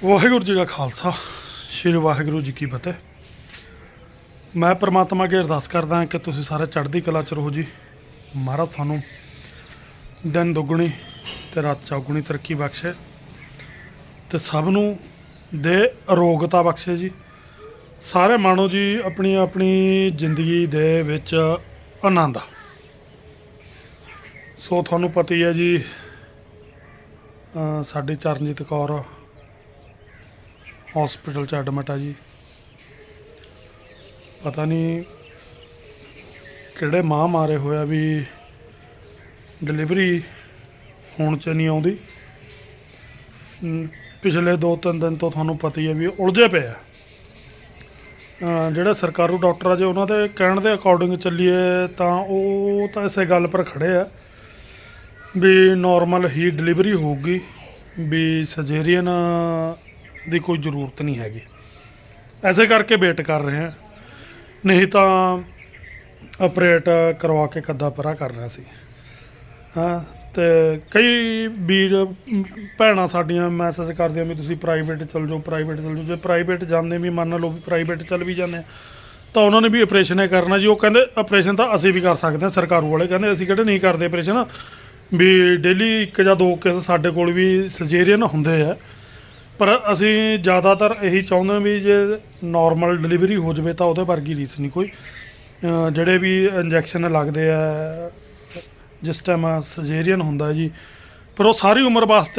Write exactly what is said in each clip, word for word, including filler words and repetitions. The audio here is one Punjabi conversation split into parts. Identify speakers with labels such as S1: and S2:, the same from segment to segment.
S1: ਵਾਹਿਗੁਰੂ ਜੀ ਦਾ ਖਾਲਸਾ ਸ਼੍ਰੀ ਵਾਹਿਗੁਰੂ ਜੀ ਕੀ ਫਤਿਹ। ਮੈਂ परमात्मा अगे अरदास करदा कि तुसीं सारे चढ़दी कला च रहो जी। महाराज थानू दिन दुगनी ते रात चौगुनी तरक्की बख्शे ते सब नू दे अरोगता बख्शे जी। सारे मानो जी अपनी अपनी जिंदगी दे विच आनंद। सो थानू पता ही है जी, साडी चरणजीत कौर हॉस्पिटल च एडमिट है जी। पता नहीं किहड़े मां मारे होया भी डिलीवरी होने च नहीं आउंदी। पिछले दो तीन दिन तो थानू पता ही है भी उलझे पे है। ਜਿਹੜੇ ਸਰਕਾਰੂ ਡਾਕਟਰ ਆ ਜੇ ਉਹਨਾਂ ਦੇ ਕਹਿਣ ਦੇ ਅਕੋਰਡਿੰਗ ਚੱਲੀਏ ਤਾਂ ਉਹ ਤਾਂ ਇਸੇ ਗੱਲ ਪਰ ਖੜੇ ਆ ਵੀ ਨੋਰਮਲ ਹੀ ਡਿਲੀਵਰੀ ਹੋਊਗੀ, ਵੀ ਸਰਜਰੀਅਨ ਦੀ ਕੋਈ ਜ਼ਰੂਰਤ ਨਹੀਂ ਹੈਗੀ। ਐਸੇ ਕਰਕੇ ਵੇਟ ਕਰ ਰਹੇ ਹਾਂ, ਨਹੀਂ ਤਾਂ ਆਪਰੇਟ ਕਰਵਾ ਕੇ ਕੱਦਾ ਪਰਾ ਕਰਨਾ ਸੀ। ਹਾਂ ਤੇ ਕਈ ਵੀਰ ਭੈਣਾਂ ਸਾਡੀਆਂ ਮੈਸੇਜ ਕਰਦੀਆਂ ਵੀ ਤੁਸੀਂ ਪ੍ਰਾਈਵੇਟ ਚੱਲ ਜਾਓ ਪ੍ਰਾਈਵੇਟ ਚੱਲ ਜਾਓ। ਜੇ ਪ੍ਰਾਈਵੇਟ ਜਾਂਦੇ ਵੀ ਮੰਨ ਲਓ ਵੀ ਪ੍ਰਾਈਵੇਟ ਚੱਲ ਵੀ ਜਾਂਦੇ ਤਾਂ ਉਹਨਾਂ ਨੇ ਵੀ ਆਪਰੇਸ਼ਨ ਹੀ ਕਰਨਾ ਜੀ। ਉਹ ਕਹਿੰਦੇ ਆਪਰੇਸ਼ਨ ਤਾਂ ਅਸੀਂ ਵੀ ਕਰ ਸਕਦੇ ਹਾਂ, ਸਰਕਾਰੂ ਵਾਲੇ ਕਹਿੰਦੇ ਅਸੀਂ ਕਿਹੜੇ ਨਹੀਂ ਕਰਦੇ ਆਪਰੇਸ਼ਨ, ਵੀ ਡੇਲੀ ਇੱਕ ਜਾਂ ਦੋ ਕੇਸ ਸਾਡੇ ਕੋਲ ਵੀ ਸਰਜਰੀਅਨ ਹੁੰਦੇ ਆ। ਪਰ ਅਸੀਂ ਜ਼ਿਆਦਾਤਰ ਇਹੀ ਚਾਹੁੰਦੇ ਹਾਂ ਵੀ ਜੇ ਨੋਰਮਲ ਡਿਲੀਵਰੀ ਹੋ ਜਾਵੇ ਤਾਂ ਉਹਦੇ ਵਰਗੀ ਰੀਸ ਨਹੀਂ ਕੋਈ। ਜਿਹੜੇ ਵੀ ਇੰਜੈਕਸ਼ਨ ਲੱਗਦੇ ਆ ਜਿਸ ਟਾਈਮ ਸਰਜਰੀਅਨ ਹੁੰਦਾ ਜੀ, ਪਰ ਉਹ ਸਾਰੀ ਉਮਰ ਵਾਸਤੇ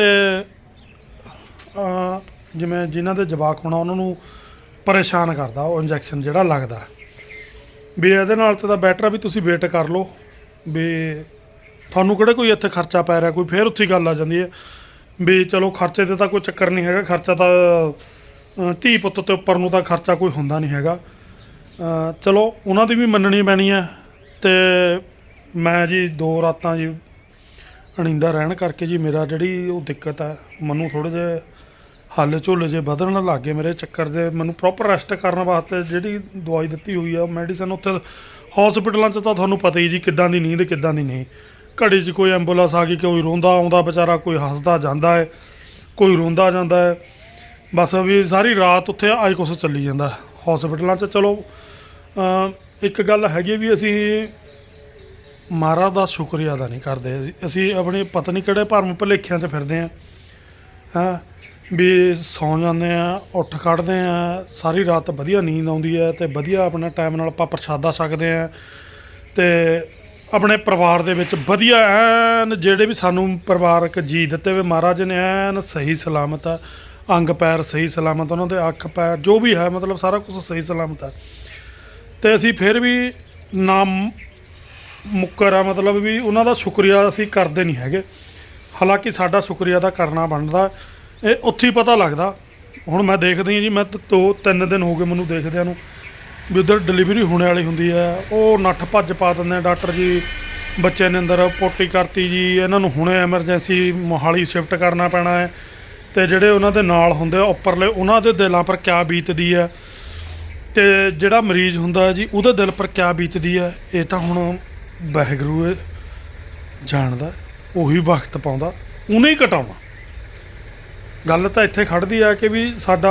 S1: ਜਿਵੇਂ ਜਿਨ੍ਹਾਂ ਦੇ ਜਵਾਕ ਹੋਣਾ ਉਹਨਾਂ ਨੂੰ ਪਰੇਸ਼ਾਨ ਕਰਦਾ ਉਹ ਇੰਜੈਕਸ਼ਨ ਜਿਹੜਾ ਲੱਗਦਾ। ਵੀ ਇਹਦੇ ਨਾਲ ਤਾਂ ਬੈਟਰ ਵੀ ਤੁਸੀਂ ਵੇਟ ਕਰ ਲਓ, ਵੀ ਤੁਹਾਨੂੰ ਕਿਹੜੇ ਕੋਈ ਇੱਥੇ ਖਰਚਾ ਪੈ ਰਿਹਾ ਕੋਈ। ਫਿਰ ਉੱਥੇ ਗੱਲ ਆ ਜਾਂਦੀ ਹੈ ਵੀ ਚਲੋ ਖਰਚੇ 'ਤੇ ਤਾਂ ਕੋਈ ਚੱਕਰ ਨਹੀਂ ਹੈਗਾ, ਖਰਚਾ ਤਾਂ ਧੀ ਪੁੱਤ ਤੇ ਉੱਪਰ ਨੂੰ ਤਾਂ ਖਰਚਾ ਕੋਈ ਹੁੰਦਾ ਨਹੀਂ ਹੈਗਾ। ਚਲੋ ਉਹਨਾਂ ਦੀ ਵੀ ਮੰਨਣੀ ਪੈਣੀ ਹੈ। ਅਤੇ ਮੈਂ ਜੀ ਦੋ ਰਾਤਾਂ ਜੀ ਅਣੀਂਦਾ ਰਹਿਣ ਕਰਕੇ ਜੀ ਮੇਰਾ ਜਿਹੜੀ ਉਹ ਦਿੱਕਤ ਹੈ, ਮੈਨੂੰ ਥੋੜ੍ਹੇ ਜਿਹੇ ਹੱਲ ਝੋਲੇ ਜੇ ਵਧਣ ਲੱਗ ਗਏ ਮੇਰੇ ਚੱਕਰ ਦੇ। ਮੈਨੂੰ ਪ੍ਰੋਪਰ ਰੈਸਟ ਕਰਨ ਵਾਸਤੇ ਜਿਹੜੀ ਦਵਾਈ ਦਿੱਤੀ ਹੋਈ ਆ ਮੈਡੀਸਨ, ਉੱਥੇ ਹੌਸਪੀਟਲਾਂ 'ਚ ਤਾਂ ਤੁਹਾਨੂੰ ਪਤਾ ਹੀ ਜੀ ਕਿੱਦਾਂ ਦੀ ਨੀਂਦ ਕਿੱਦਾਂ ਦੀ ਨਹੀਂ। ਘੜੀ 'ਚ ਕੋਈ ਐਂਬੂਲੈਂਸ ਆ ਗਈ, ਕੋਈ ਰੋਂਦਾ ਆਉਂਦਾ ਵਿਚਾਰਾ, ਕੋਈ ਹੱਸਦਾ ਜਾਂਦਾ ਹੈ, ਕੋਈ ਰੋਂਦਾ ਜਾਂਦਾ ਹੈ। ਬਸ ਵੀ ਸਾਰੀ ਰਾਤ ਉੱਥੇ ਆਈ ਕੁਛ ਚੱਲੀ ਜਾਂਦਾ ਹੌਸਪੀਟਲਾਂ 'ਚ। ਚਲੋ ਇੱਕ ਗੱਲ ਹੈਗੀ ਵੀ ਅਸੀਂ ਮਹਾਰਾਜ ਦਾ ਸ਼ੁਕਰੀਆ ਅਦਾ ਨਹੀਂ ਕਰਦੇ। ਅਸੀਂ ਆਪਣੇ ਪਤਾ ਨਹੀਂ ਕਿਹੜੇ ਭਰਮ ਭੁਲੇਖਿਆਂ 'ਚ ਫਿਰਦੇ ਹਾਂ। ਹਾਂ ਵੀ ਸੌਂ ਜਾਂਦੇ ਹਾਂ, ਉੱਠ ਖੜ੍ਹਦੇ ਹਾਂ, ਸਾਰੀ ਰਾਤ ਵਧੀਆ ਨੀਂਦ ਆਉਂਦੀ ਹੈ ਅਤੇ ਵਧੀਆ ਆਪਣਾ ਟਾਈਮ ਨਾਲ ਆਪਾਂ ਪ੍ਰਸ਼ਾਦਾ ਛਕਦੇ ਹਾਂ ਅਤੇ ਆਪਣੇ ਪਰਿਵਾਰ ਦੇ ਵਿੱਚ ਵਧੀਆ ਐਨ ਜਿਹੜੇ ਵੀ ਸਾਨੂੰ ਪਰਿਵਾਰਕ ਜੀ ਦਿੱਤੇ ਹੋਏ ਮਹਾਰਾਜ ਨੇ ਐਨ ਸਹੀ ਸਲਾਮਤ ਹੈ, ਅੰਗ ਪੈਰ ਸਹੀ ਸਲਾਮਤ, ਉਹਨਾਂ ਦੇ ਅੱਖ ਪੈਰ ਜੋ ਵੀ ਹੈ ਮਤਲਬ ਸਾਰਾ ਕੁਛ ਸਹੀ ਸਲਾਮਤ ਹੈ। ਅਤੇ ਅਸੀਂ ਫਿਰ ਵੀ ਨਾ ਮੁੱਕਰ ਆ, ਮਤਲਬ ਵੀ ਉਹਨਾਂ ਦਾ ਸ਼ੁਕਰੀਆ ਅਸੀਂ ਕਰਦੇ ਨਹੀਂ ਹੈਗੇ। ਹਾਲਾਂਕਿ ਸਾਡਾ ਸ਼ੁਕਰੀਆ ਤਾਂ ਕਰਨਾ ਬਣਦਾ, ਇਹ ਉੱਥੇ ਹੀ ਪਤਾ ਲੱਗਦਾ। ਹੁਣ ਮੈਂ ਦੇਖਦੀ ਹਾਂ ਜੀ, ਮੈਂ ਦੋ ਤਿੰਨ ਦਿਨ ਹੋ ਗਏ ਮੈਨੂੰ ਦੇਖਦਿਆਂ ਨੂੰ ਵੀ ਉੱਧਰ ਡਿਲੀਵਰੀ ਹੋਣੇ ਵਾਲੀ ਹੁੰਦੀ ਹੈ, ਉਹ ਨੱਠ ਭੱਜ ਪਾ ਦਿੰਦੇ ਡਾਕਟਰ ਜੀ, ਬੱਚੇ ਨੇ ਅੰਦਰ ਪੋਟੀ ਕਰਤੀ ਜੀ, ਇਹਨਾਂ ਨੂੰ ਹੁਣੇ ਐਮਰਜੈਂਸੀ ਮੋਹਾਲੀ ਸ਼ਿਫਟ ਕਰਨਾ ਪੈਣਾ ਹੈ। ਅਤੇ ਜਿਹੜੇ ਉਹਨਾਂ ਦੇ ਨਾਲ ਹੁੰਦੇ ਆ ਉੱਪਰਲੇ, ਉਹਨਾਂ ਦੇ ਦਿਲਾਂ ਪਰ ਕਿਆ ਬੀਤਦੀ ਹੈ ਅਤੇ ਜਿਹੜਾ ਮਰੀਜ਼ ਹੁੰਦਾ ਜੀ ਉਹਦੇ ਦਿਲ ਪਰ ਕਿਆ ਬੀਤਦੀ ਹੈ, ਇਹ ਤਾਂ ਹੁਣ ਵਾਹਿਗੁਰੂ ਜਾਣਦਾ, ਉਹੀ ਵਕਤ ਪਾਉਂਦਾ, ਉਹਨੇ ਹੀ ਘਟਾਉਣਾ। ਗੱਲ ਤਾਂ ਇੱਥੇ ਖੜ੍ਹਦੀ ਆ ਕਿ ਵੀ ਸਾਡਾ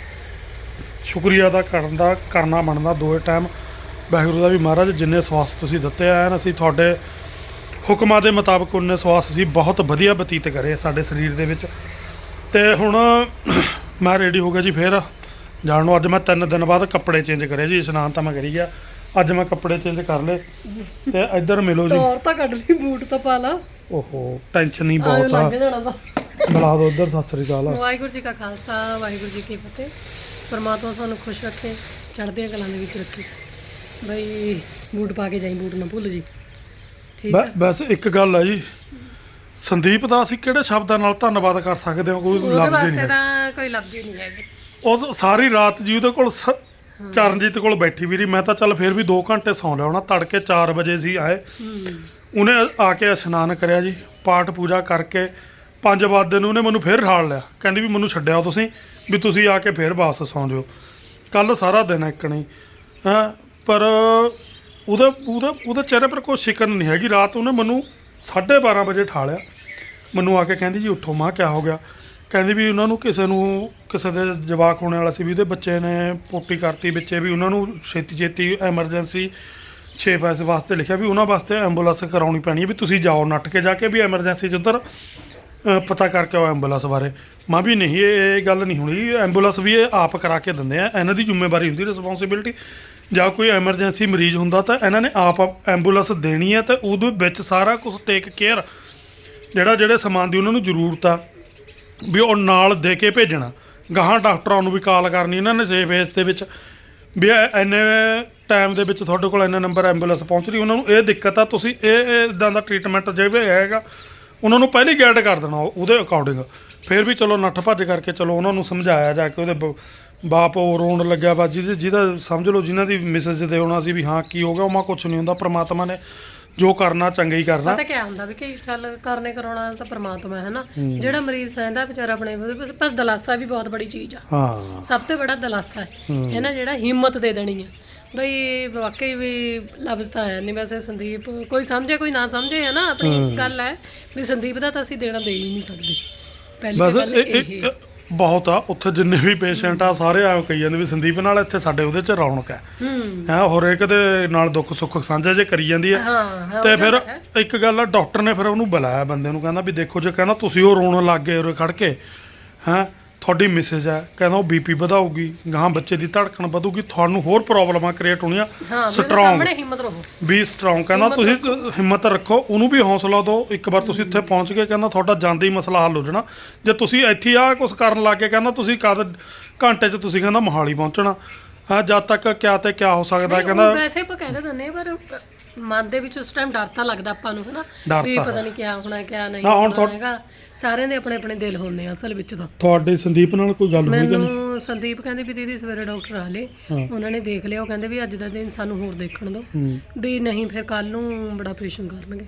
S1: ਸ਼ੁਕਰੀਆ ਦਾ ਕਰਨ ਦਾ ਕਰਨਾ ਬਣਦਾ ਦੋਏ ਟਾਈਮ ਵਾਹਿਗੁਰੂ ਦਾ ਵੀ। ਮਹਾਰਾਜ ਜਿੰਨੇ ਸਵਾਸ ਤੁਸੀਂ ਦਿੱਤੇ ਆ, ਅਸੀਂ ਤੁਹਾਡੇ ਹੁਕਮਾਂ ਦੇ ਮੁਤਾਬਕ ਉਨੇ ਸਵਾਸ ਅਸੀਂ ਬਹੁਤ ਵਧੀਆ ਬਤੀਤ ਕਰੇ ਸਾਡੇ ਸਰੀਰ ਦੇ ਵਿੱਚ। ਅਤੇ ਹੁਣ ਮੈਂ ਰੈਡੀ ਹੋ ਗਿਆ ਜੀ ਫਿਰ ਜਾਣ ਨੂੰ। ਅੱਜ ਮੈਂ ਤਿੰਨ ਦਿਨ ਬਾਅਦ ਕੱਪੜੇ ਚੇਂਜ ਕਰੇ ਜੀ, ਇਸ਼ਨਾਨ ਤਾਂ ਮੈਂ ਕਰੀ ਗਿਆ, ਅੱਜ ਮੈਂ ਕੱਪੜੇ ਚੇਂਜ ਕਰ ਲਏ। ਤੇ ਇੱਧਰ ਮਿਲੋ ਜੀ।
S2: ਟੌਰ ਤਾਂ ਕੱਢ ਲਈ, ਬੂਟ ਤਾਂ ਪਾ ਲਾ।
S1: ਓਹੋ ਟੈਨਸ਼ਨ ਹੀ ਬਹੁਤ ਆ। ਬੁਲਾ ਦਿਓ ਉੱਧਰ। ਸਤਿ ਸ੍ਰੀ ਅਕਾਲ।
S2: ਵਾਹਿਗੁਰੂ ਜੀ ਕਾ ਖਾਲਸਾ ਵਾਹਿਗੁਰੂ ਜੀ ਕੀ ਫਤਿਹ। ਪਰਮਾਤਮਾ ਤੁਹਾਨੂੰ ਖੁਸ਼ ਰੱਖੇ, ਚੜ੍ਹਦੀਆਂ ਕਲਾਂ ਦੇ ਵਿੱਚ ਰੱਖੇ। ਬਈ ਬੂਟ ਪਾ ਕੇ ਜਾਈ, ਬੂਟ ਨਾ ਭੁੱਲ ਜੀ, ਠੀਕ ਹੈ। ਬਸ ਇੱਕ ਗੱਲ ਆ ਜੀ, ਸੰਦੀਪ ਦਾ ਅਸੀਂ ਕਿਹੜੇ ਸ਼ਬਦਾਂ ਨਾਲ ਧੰਨਵਾਦ ਕਰ ਸਕਦੇ ਹਾਂ, ਕੋਈ ਲਫ਼ਜ਼ ਹੀ ਨਹੀਂ, ਕੋਈ ਲਫ਼ਜ਼ ਹੀ ਨਹੀਂ ਹੈਗੇ। ਉਹ ਸਾਰੀ ਰਾਤ ਜੀ ਉਹਦੇ ਕੋਲ ਚਰਨਜੀਤ ਕੋਲ ਬੈਠੀ ਵੀ ਰਹੀ। ਮੈਂ ਤਾਂ ਚੱਲ ਫਿਰ ਵੀ ਦੋ ਘੰਟੇ ਸੌਂ ਲਿਆ ਹੋਣਾ। ਤੜਕੇ ਚਾਰ ਵਜੇ ਸੀ ਆਏ, ਉਹਨੇ ਆ ਕੇ ਇਸ਼ਨਾਨ ਕਰਿਆ ਜੀ, ਪਾਠ ਪੂਜਾ ਕਰਕੇ ਪੰਜ ਵਜੇ ਨੂੰ ਉਹਨੇ ਮੈਨੂੰ ਫਿਰ ਠਾਲ ਲਿਆ, ਕਹਿੰਦੀ ਵੀ ਮੈਨੂੰ ਛੱਡਿਆ ਤੁਸੀਂ, ਵੀ ਤੁਸੀਂ ਆ ਕੇ ਫਿਰ ਵਾਪਸ ਸੌਂ ਜਾਓ। ਕੱਲ੍ਹ ਸਾਰਾ ਦਿਨ ਇੱਕ ਨਹੀਂ ਹੈਂ, ਪਰ ਉਹਦੇ ਉਹਦੇ ਉਹਦੇ ਚਿਹਰੇ ਪਰ ਕੋਈ ਸ਼ਿਕਨ ਨਹੀਂ ਹੈਗੀ। ਰਾਤ ਉਹਨੇ ਮੈਨੂੰ ਸਾਢੇ ਬਾਰਾਂ ਵਜੇ ਠਾਲਿਆ, ਮੈਨੂੰ ਆ ਕੇ ਕਹਿੰਦੀ ਜੀ ਉੱਠੋ। ਮਾਂ ਕਿਆ ਹੋ ਗਿਆ?
S1: ਕਹਿੰਦੀ ਵੀ ਉਹਨਾਂ ਨੂੰ ਕਿਸੇ ਨੂੰ ਕਿਸੇ ਦੇ ਜਵਾਕ ਹੋਣੇ ਵਾਲਾ ਸੀ ਵੀ ਉਹਦੇ ਬੱਚੇ ਨੇ ਪੋਟੀ ਕਰਤੀ ਵਿੱਚੇ ਵੀ ਉਹਨਾਂ ਨੂੰ ਛੇਤੀ ਛੇਤੀ ਐਮਰਜੈਂਸੀ ਛੇ ਪੈਸੇ ਵਾਸਤੇ ਲਿਖਿਆ ਵੀ ਉਹਨਾਂ ਵਾਸਤੇ ਐਂਬੂਲੈਂਸ ਕਰਾਉਣੀ ਪੈਣੀ ਹੈ ਵੀ ਤੁਸੀਂ ਜਾਓ ਨੱਟ ਕੇ ਜਾ ਕੇ ਵੀ ਐਮਰਜੈਂਸੀ 'ਚ ਉੱਧਰ ਅ, ਪਤਾ ਕਰਕੇ ਆਓ ਐਂਬੂਲੈਂਸ ਬਾਰੇ। ਮੈਂ ਵੀ ਨਹੀਂ ਇਹ ਇਹ ਗੱਲ ਨਹੀਂ ਹੋਣੀ, ਐਂਬੂਲੈਂਸ ਵੀ ਇਹ ਆਪ ਕਰਾ ਕੇ ਦਿੰਦੇ ਆ, ਇਹਨਾਂ ਦੀ ਜ਼ਿੰਮੇਵਾਰੀ ਹੁੰਦੀ ਰਿਸਪੌਂਸਿਬਿਲਟੀ। ਜਾਂ ਕੋਈ ਐਮਰਜੈਂਸੀ ਮਰੀਜ਼ ਹੁੰਦਾ ਤਾਂ ਇਹਨਾਂ ਨੇ ਆਪ ਐਂਬੂਲੈਂਸ ਦੇਣੀ ਹੈ ਤੇ ਉਹਦੇ ਵਿੱਚ ਸਾਰਾ ਕੁਝ ਟੇਕ ਕੇਅਰ ਜਿਹੜਾ ਜਿਹੜੇ ਸਮਾਨ ਦੀ ਉਹਨਾਂ ਨੂੰ ਜ਼ਰੂਰਤ ਆ ਵੀ ਉਹ ਨਾਲ ਦੇ ਕੇ ਭੇਜਣਾ। ਗਾਹਾਂ ਡਾਕਟਰਾਂ ਨੂੰ ਵੀ ਕਾਲ ਕਰਨੀ ਇਹਨਾਂ ਨੇ ਸੇਫ ਏਜ ਦੇ ਵਿੱਚ ਵੀ ਇਹ ਇੰਨੇ ਟਾਈਮ ਦੇ ਵਿੱਚ ਤੁਹਾਡੇ ਕੋਲ ਇੰਨਾ ਨੰਬਰ ਐਂਬੂਲੈਂਸ ਪਹੁੰਚ ਰਹੀ, ਉਹਨਾਂ ਨੂੰ ਇਹ ਦਿੱਕਤ ਆ, ਤੁਸੀਂ ਇਹ ਇਦਾਂ ਦਾ ਟਰੀਟਮੈਂਟ ਜੇ ਵੀ ਹੈਗਾ ਉਹਨਾਂ ਨੂੰ ਪਹਿਲਾਂ ਹੀ ਗਾਈਡ ਕਰ ਦੇਣਾ ਉਹਦੇ ਅਕੋਰਡਿੰਗ। ਫਿਰ ਵੀ ਚਲੋ ਨੱਠ ਭੱਜ ਕਰਕੇ ਚਲੋ ਉਹਨਾਂ ਨੂੰ ਸਮਝਾਇਆ ਜਾ ਕੇ, ਉਹਦੇ ਬ- ਬਾਪ ਉਹ ਰੋਣ ਲੱਗਿਆ ਵਾ ਜਿਹਦੇ ਜਿਹਦਾ ਸਮਝ ਲਓ ਜਿਨ੍ਹਾਂ ਦੀ ਮਿਸਿਸ ਦੇ ਆਉਣਾ ਸੀ ਵੀ ਹਾਂ ਕੀ ਹੋ ਗਿਆ, ਉਹ ਮਾ ਕੁਛ ਨਹੀਂ ਹੁੰਦਾ, ਪ੍ਰਮਾਤਮਾ ਨੇ ਜੋ ਕਰਨਾ ਚੰਗਾ ਹੀ ਕਰਨਾ।
S2: ਪਤਾ ਕਿਆ ਹੁੰਦਾ ਵੀ ਕਿ ਚੱਲ ਕਰਨੇ ਕਰਾਉਣਾ ਤਾਂ ਪ੍ਰਮਾਤਮਾ ਹੈ ਨਾ,
S1: ਹੂੰ।
S2: ਜਿਹੜਾ ਮਰੀਜ਼ ਸਹਿੰਦਾ ਵਿਚਾਰਾ ਆਪਣੇ ਉਹਦੇ ਪਰ ਦਲਾਸਾ ਵੀ ਬਹੁਤ ਬੜੀ ਚੀਜ਼ ਆ।
S1: ਹਾਂ
S2: ਸਭ ਤੋਂ ਬੜਾ ਦਲਾਸਾ ਹੈ
S1: ਹੂੰ।
S2: ਹੈ ਨਾ, ਜਿਹੜਾ ਹਿੰਮਤ ਦੇ ਦੇਣੀ ਹੈ ਬਈ ਵਾਕਈ ਵੀ ਲਫ਼ਜ਼ ਤਾਂ ਹੈ ਨਹੀਂ। ਵੈਸੇ ਸੰਦੀਪ ਕੋਈ ਸਮਝੇ ਕੋਈ ਨਾ ਸਮਝੇ ਹੈ ਨਾ,
S1: ਹੂੰ।
S2: ਆਪਣੀ ਗੱਲ ਹੈ ਵੀ ਸੰਦੀਪ ਦਾ ਤਾਂ ਅਸੀਂ ਦੇਣਾ ਦੇ ਹੀ ਨਹੀਂ ਸਕਦੇ। ਪਹਿਲੀ
S1: ਬਸ
S2: ਤਾਂ ਗੱਲ
S1: ਇਹ-
S2: ਇਹ
S1: ਇਹ ਬਹੁਤ ਆ ਉੱਥੇ ਜਿੰਨੇ ਵੀ ਪੇਸ਼ੈਂਟ ਆ ਸਾਰੇ ਆ ਕਹੀ ਜਾਂਦੇ ਵੀ ਸੰਦੀਪ ਨਾਲ ਇੱਥੇ ਸਾਡੇ ਉਹਦੇ 'ਚ ਰੌਣਕ ਹੈ
S2: ਹੂੰ
S1: ਹੈ ਹਰੇਕ ਦੇ ਨਾਲ ਦੁੱਖ ਸੁੱਖ ਸਾਂਝਾ ਜੇ ਕਰੀ ਜਾਂਦੀ ਹੈ।
S2: ਹਾਂ ਹਾਂ,
S1: ਤੇ
S2: ਉਹ
S1: ਫਿਰ
S2: ਗੱਲ ਹੈ।
S1: ਇੱਕ ਗੱਲ ਆ, ਡਾਕਟਰ ਨੇ ਫਿਰ ਉਹਨੂੰ ਬੁਲਾਇਆ ਬੰਦੇ ਨੂੰ, ਕਹਿੰਦਾ ਵੀ ਦੇਖੋ ਜੇ ਕਹਿੰਦਾ ਤੁਸੀਂ ਉਹ ਰੋਣ ਲੱਗ ਗਏ ਉਰੇ ਖੜ ਕੇ ਹੈਂ ਤੁਹਾਡੀ ਮਿਸੇਜ ਹੈ, ਕਹਿੰਦਾ ਉਹ ਬੀਪੀ ਵਧਾਊਗੀ, ਗਾਹਾਂ ਬੱਚੇ ਦੀ ਧੜਕਣ ਵਧੂਗੀ, ਤੁਹਾਨੂੰ ਹੋਰ ਪ੍ਰੋਬਲਮਾਂ ਕ੍ਰੀਏਟ ਹੋਣੀਆਂ,
S2: ਹਾਂ ਵੀ ਉਹਦੇ
S1: ਸਟਰੋਂਗ
S2: ਸਾਹਮਣੇ ਹਿੰਮਤ ਰਹੋ।
S1: ਵੀ ਸਟਰੋਂਗ ਕਹਿੰਦਾ
S2: ਹਿੰਮਤ
S1: ਤੁਸੀਂ ਹਿੰਮਤ ਰੱਖੋ, ਉਹਨੂੰ ਵੀ ਹੌਸਲਾ ਦਿਓ। ਇੱਕ ਵਾਰ ਤੁਸੀਂ ਇੱਥੇ ਪਹੁੰਚ ਗਏ ਕਹਿੰਦਾ ਤੁਹਾਡਾ ਜਾਂਦੇ ਹੀ ਮਸਲਾ ਹੱਲ ਹੋ ਜਾਣਾ। ਜੇ ਤੁਸੀਂ ਇੱਥੇ ਆ ਕੁਝ ਕਰਨ ਲੱਗ ਗਏ ਕਹਿੰਦਾ ਤੁਸੀਂ ਕਦ ਘੰਟੇ 'ਚ ਤੁਸੀਂ ਕਹਿੰਦਾ ਮੋਹਾਲੀ ਪਹੁੰਚਣਾ। ਹਾਂ ਜਦ ਤੱਕ ਕਿਆ ਤੇ ਕਿਆ ਹੋ ਸਕਦਾ
S2: ਨਹੀਂ,
S1: ਕਹਿੰਦਾ।
S2: ਉਹ ਵੈਸੇ ਆਪਾਂ ਕਹਿ ਤਾਂ ਦਿੰਦੇ ਹਾਂ, ਪਰ ਮਨ ਦੇ ਵਿੱਚ ਉਸ ਟਾਈਮ ਡਰ ਤਾਂ ਲੱਗਦਾ ਆਪਾਂ ਨੂੰ, ਹਨਾ
S1: ਡਰ
S2: ਵੀ
S1: ਤਾਂ
S2: ਪਤਾ
S1: ਹੈ।
S2: ਨਹੀਂ ਕਿਆ ਹੋਣਾ ਕਿਆ ਨਹੀਂ
S1: ਹਾਂ, ਹੁਣ
S2: ਹੋਣਾ
S1: ਤੁਹਾਡ-
S2: ਹੈਗਾ। ਸਾਰਿਆਂ ਦੇ ਆਪਣੇ ਆਪਣੇ ਦਿਲ ਹੁੰਦੇ ਆ ਅਸਲ ਵਿੱਚ ਤਾਂ।
S1: ਤੁਹਾਡੇ ਸੰਦੀਪ ਨਾਲ ਕੋਈ ਗੱਲ ਹੋਈ ਕਿ ਨਹੀਂ?
S2: ਮੈਨੂੰ ਸੰਦੀਪ ਕਹਿੰਦੇ ਵੀ ਦੀਦੀ ਸਵੇਰੇ ਡਾਕਟਰ ਆ ਲਏ,
S1: ਹਾਂ।
S2: ਉਹਨਾਂ ਨੇ ਦੇਖ ਲਿਆ, ਉਹ ਕਹਿੰਦੇ ਵੀ ਅੱਜ ਦਾ ਦਿਨ ਸਾਨੂੰ ਹੋਰ ਦੇਖਣ ਦਿਓ,
S1: ਹੂੰ
S2: ਵੀ ਨਹੀਂ ਫਿਰ ਕੱਲ ਨੂੰ ਬੜਾ ਆਪਰੇਸ਼ਨ ਕਰਨਗੇ।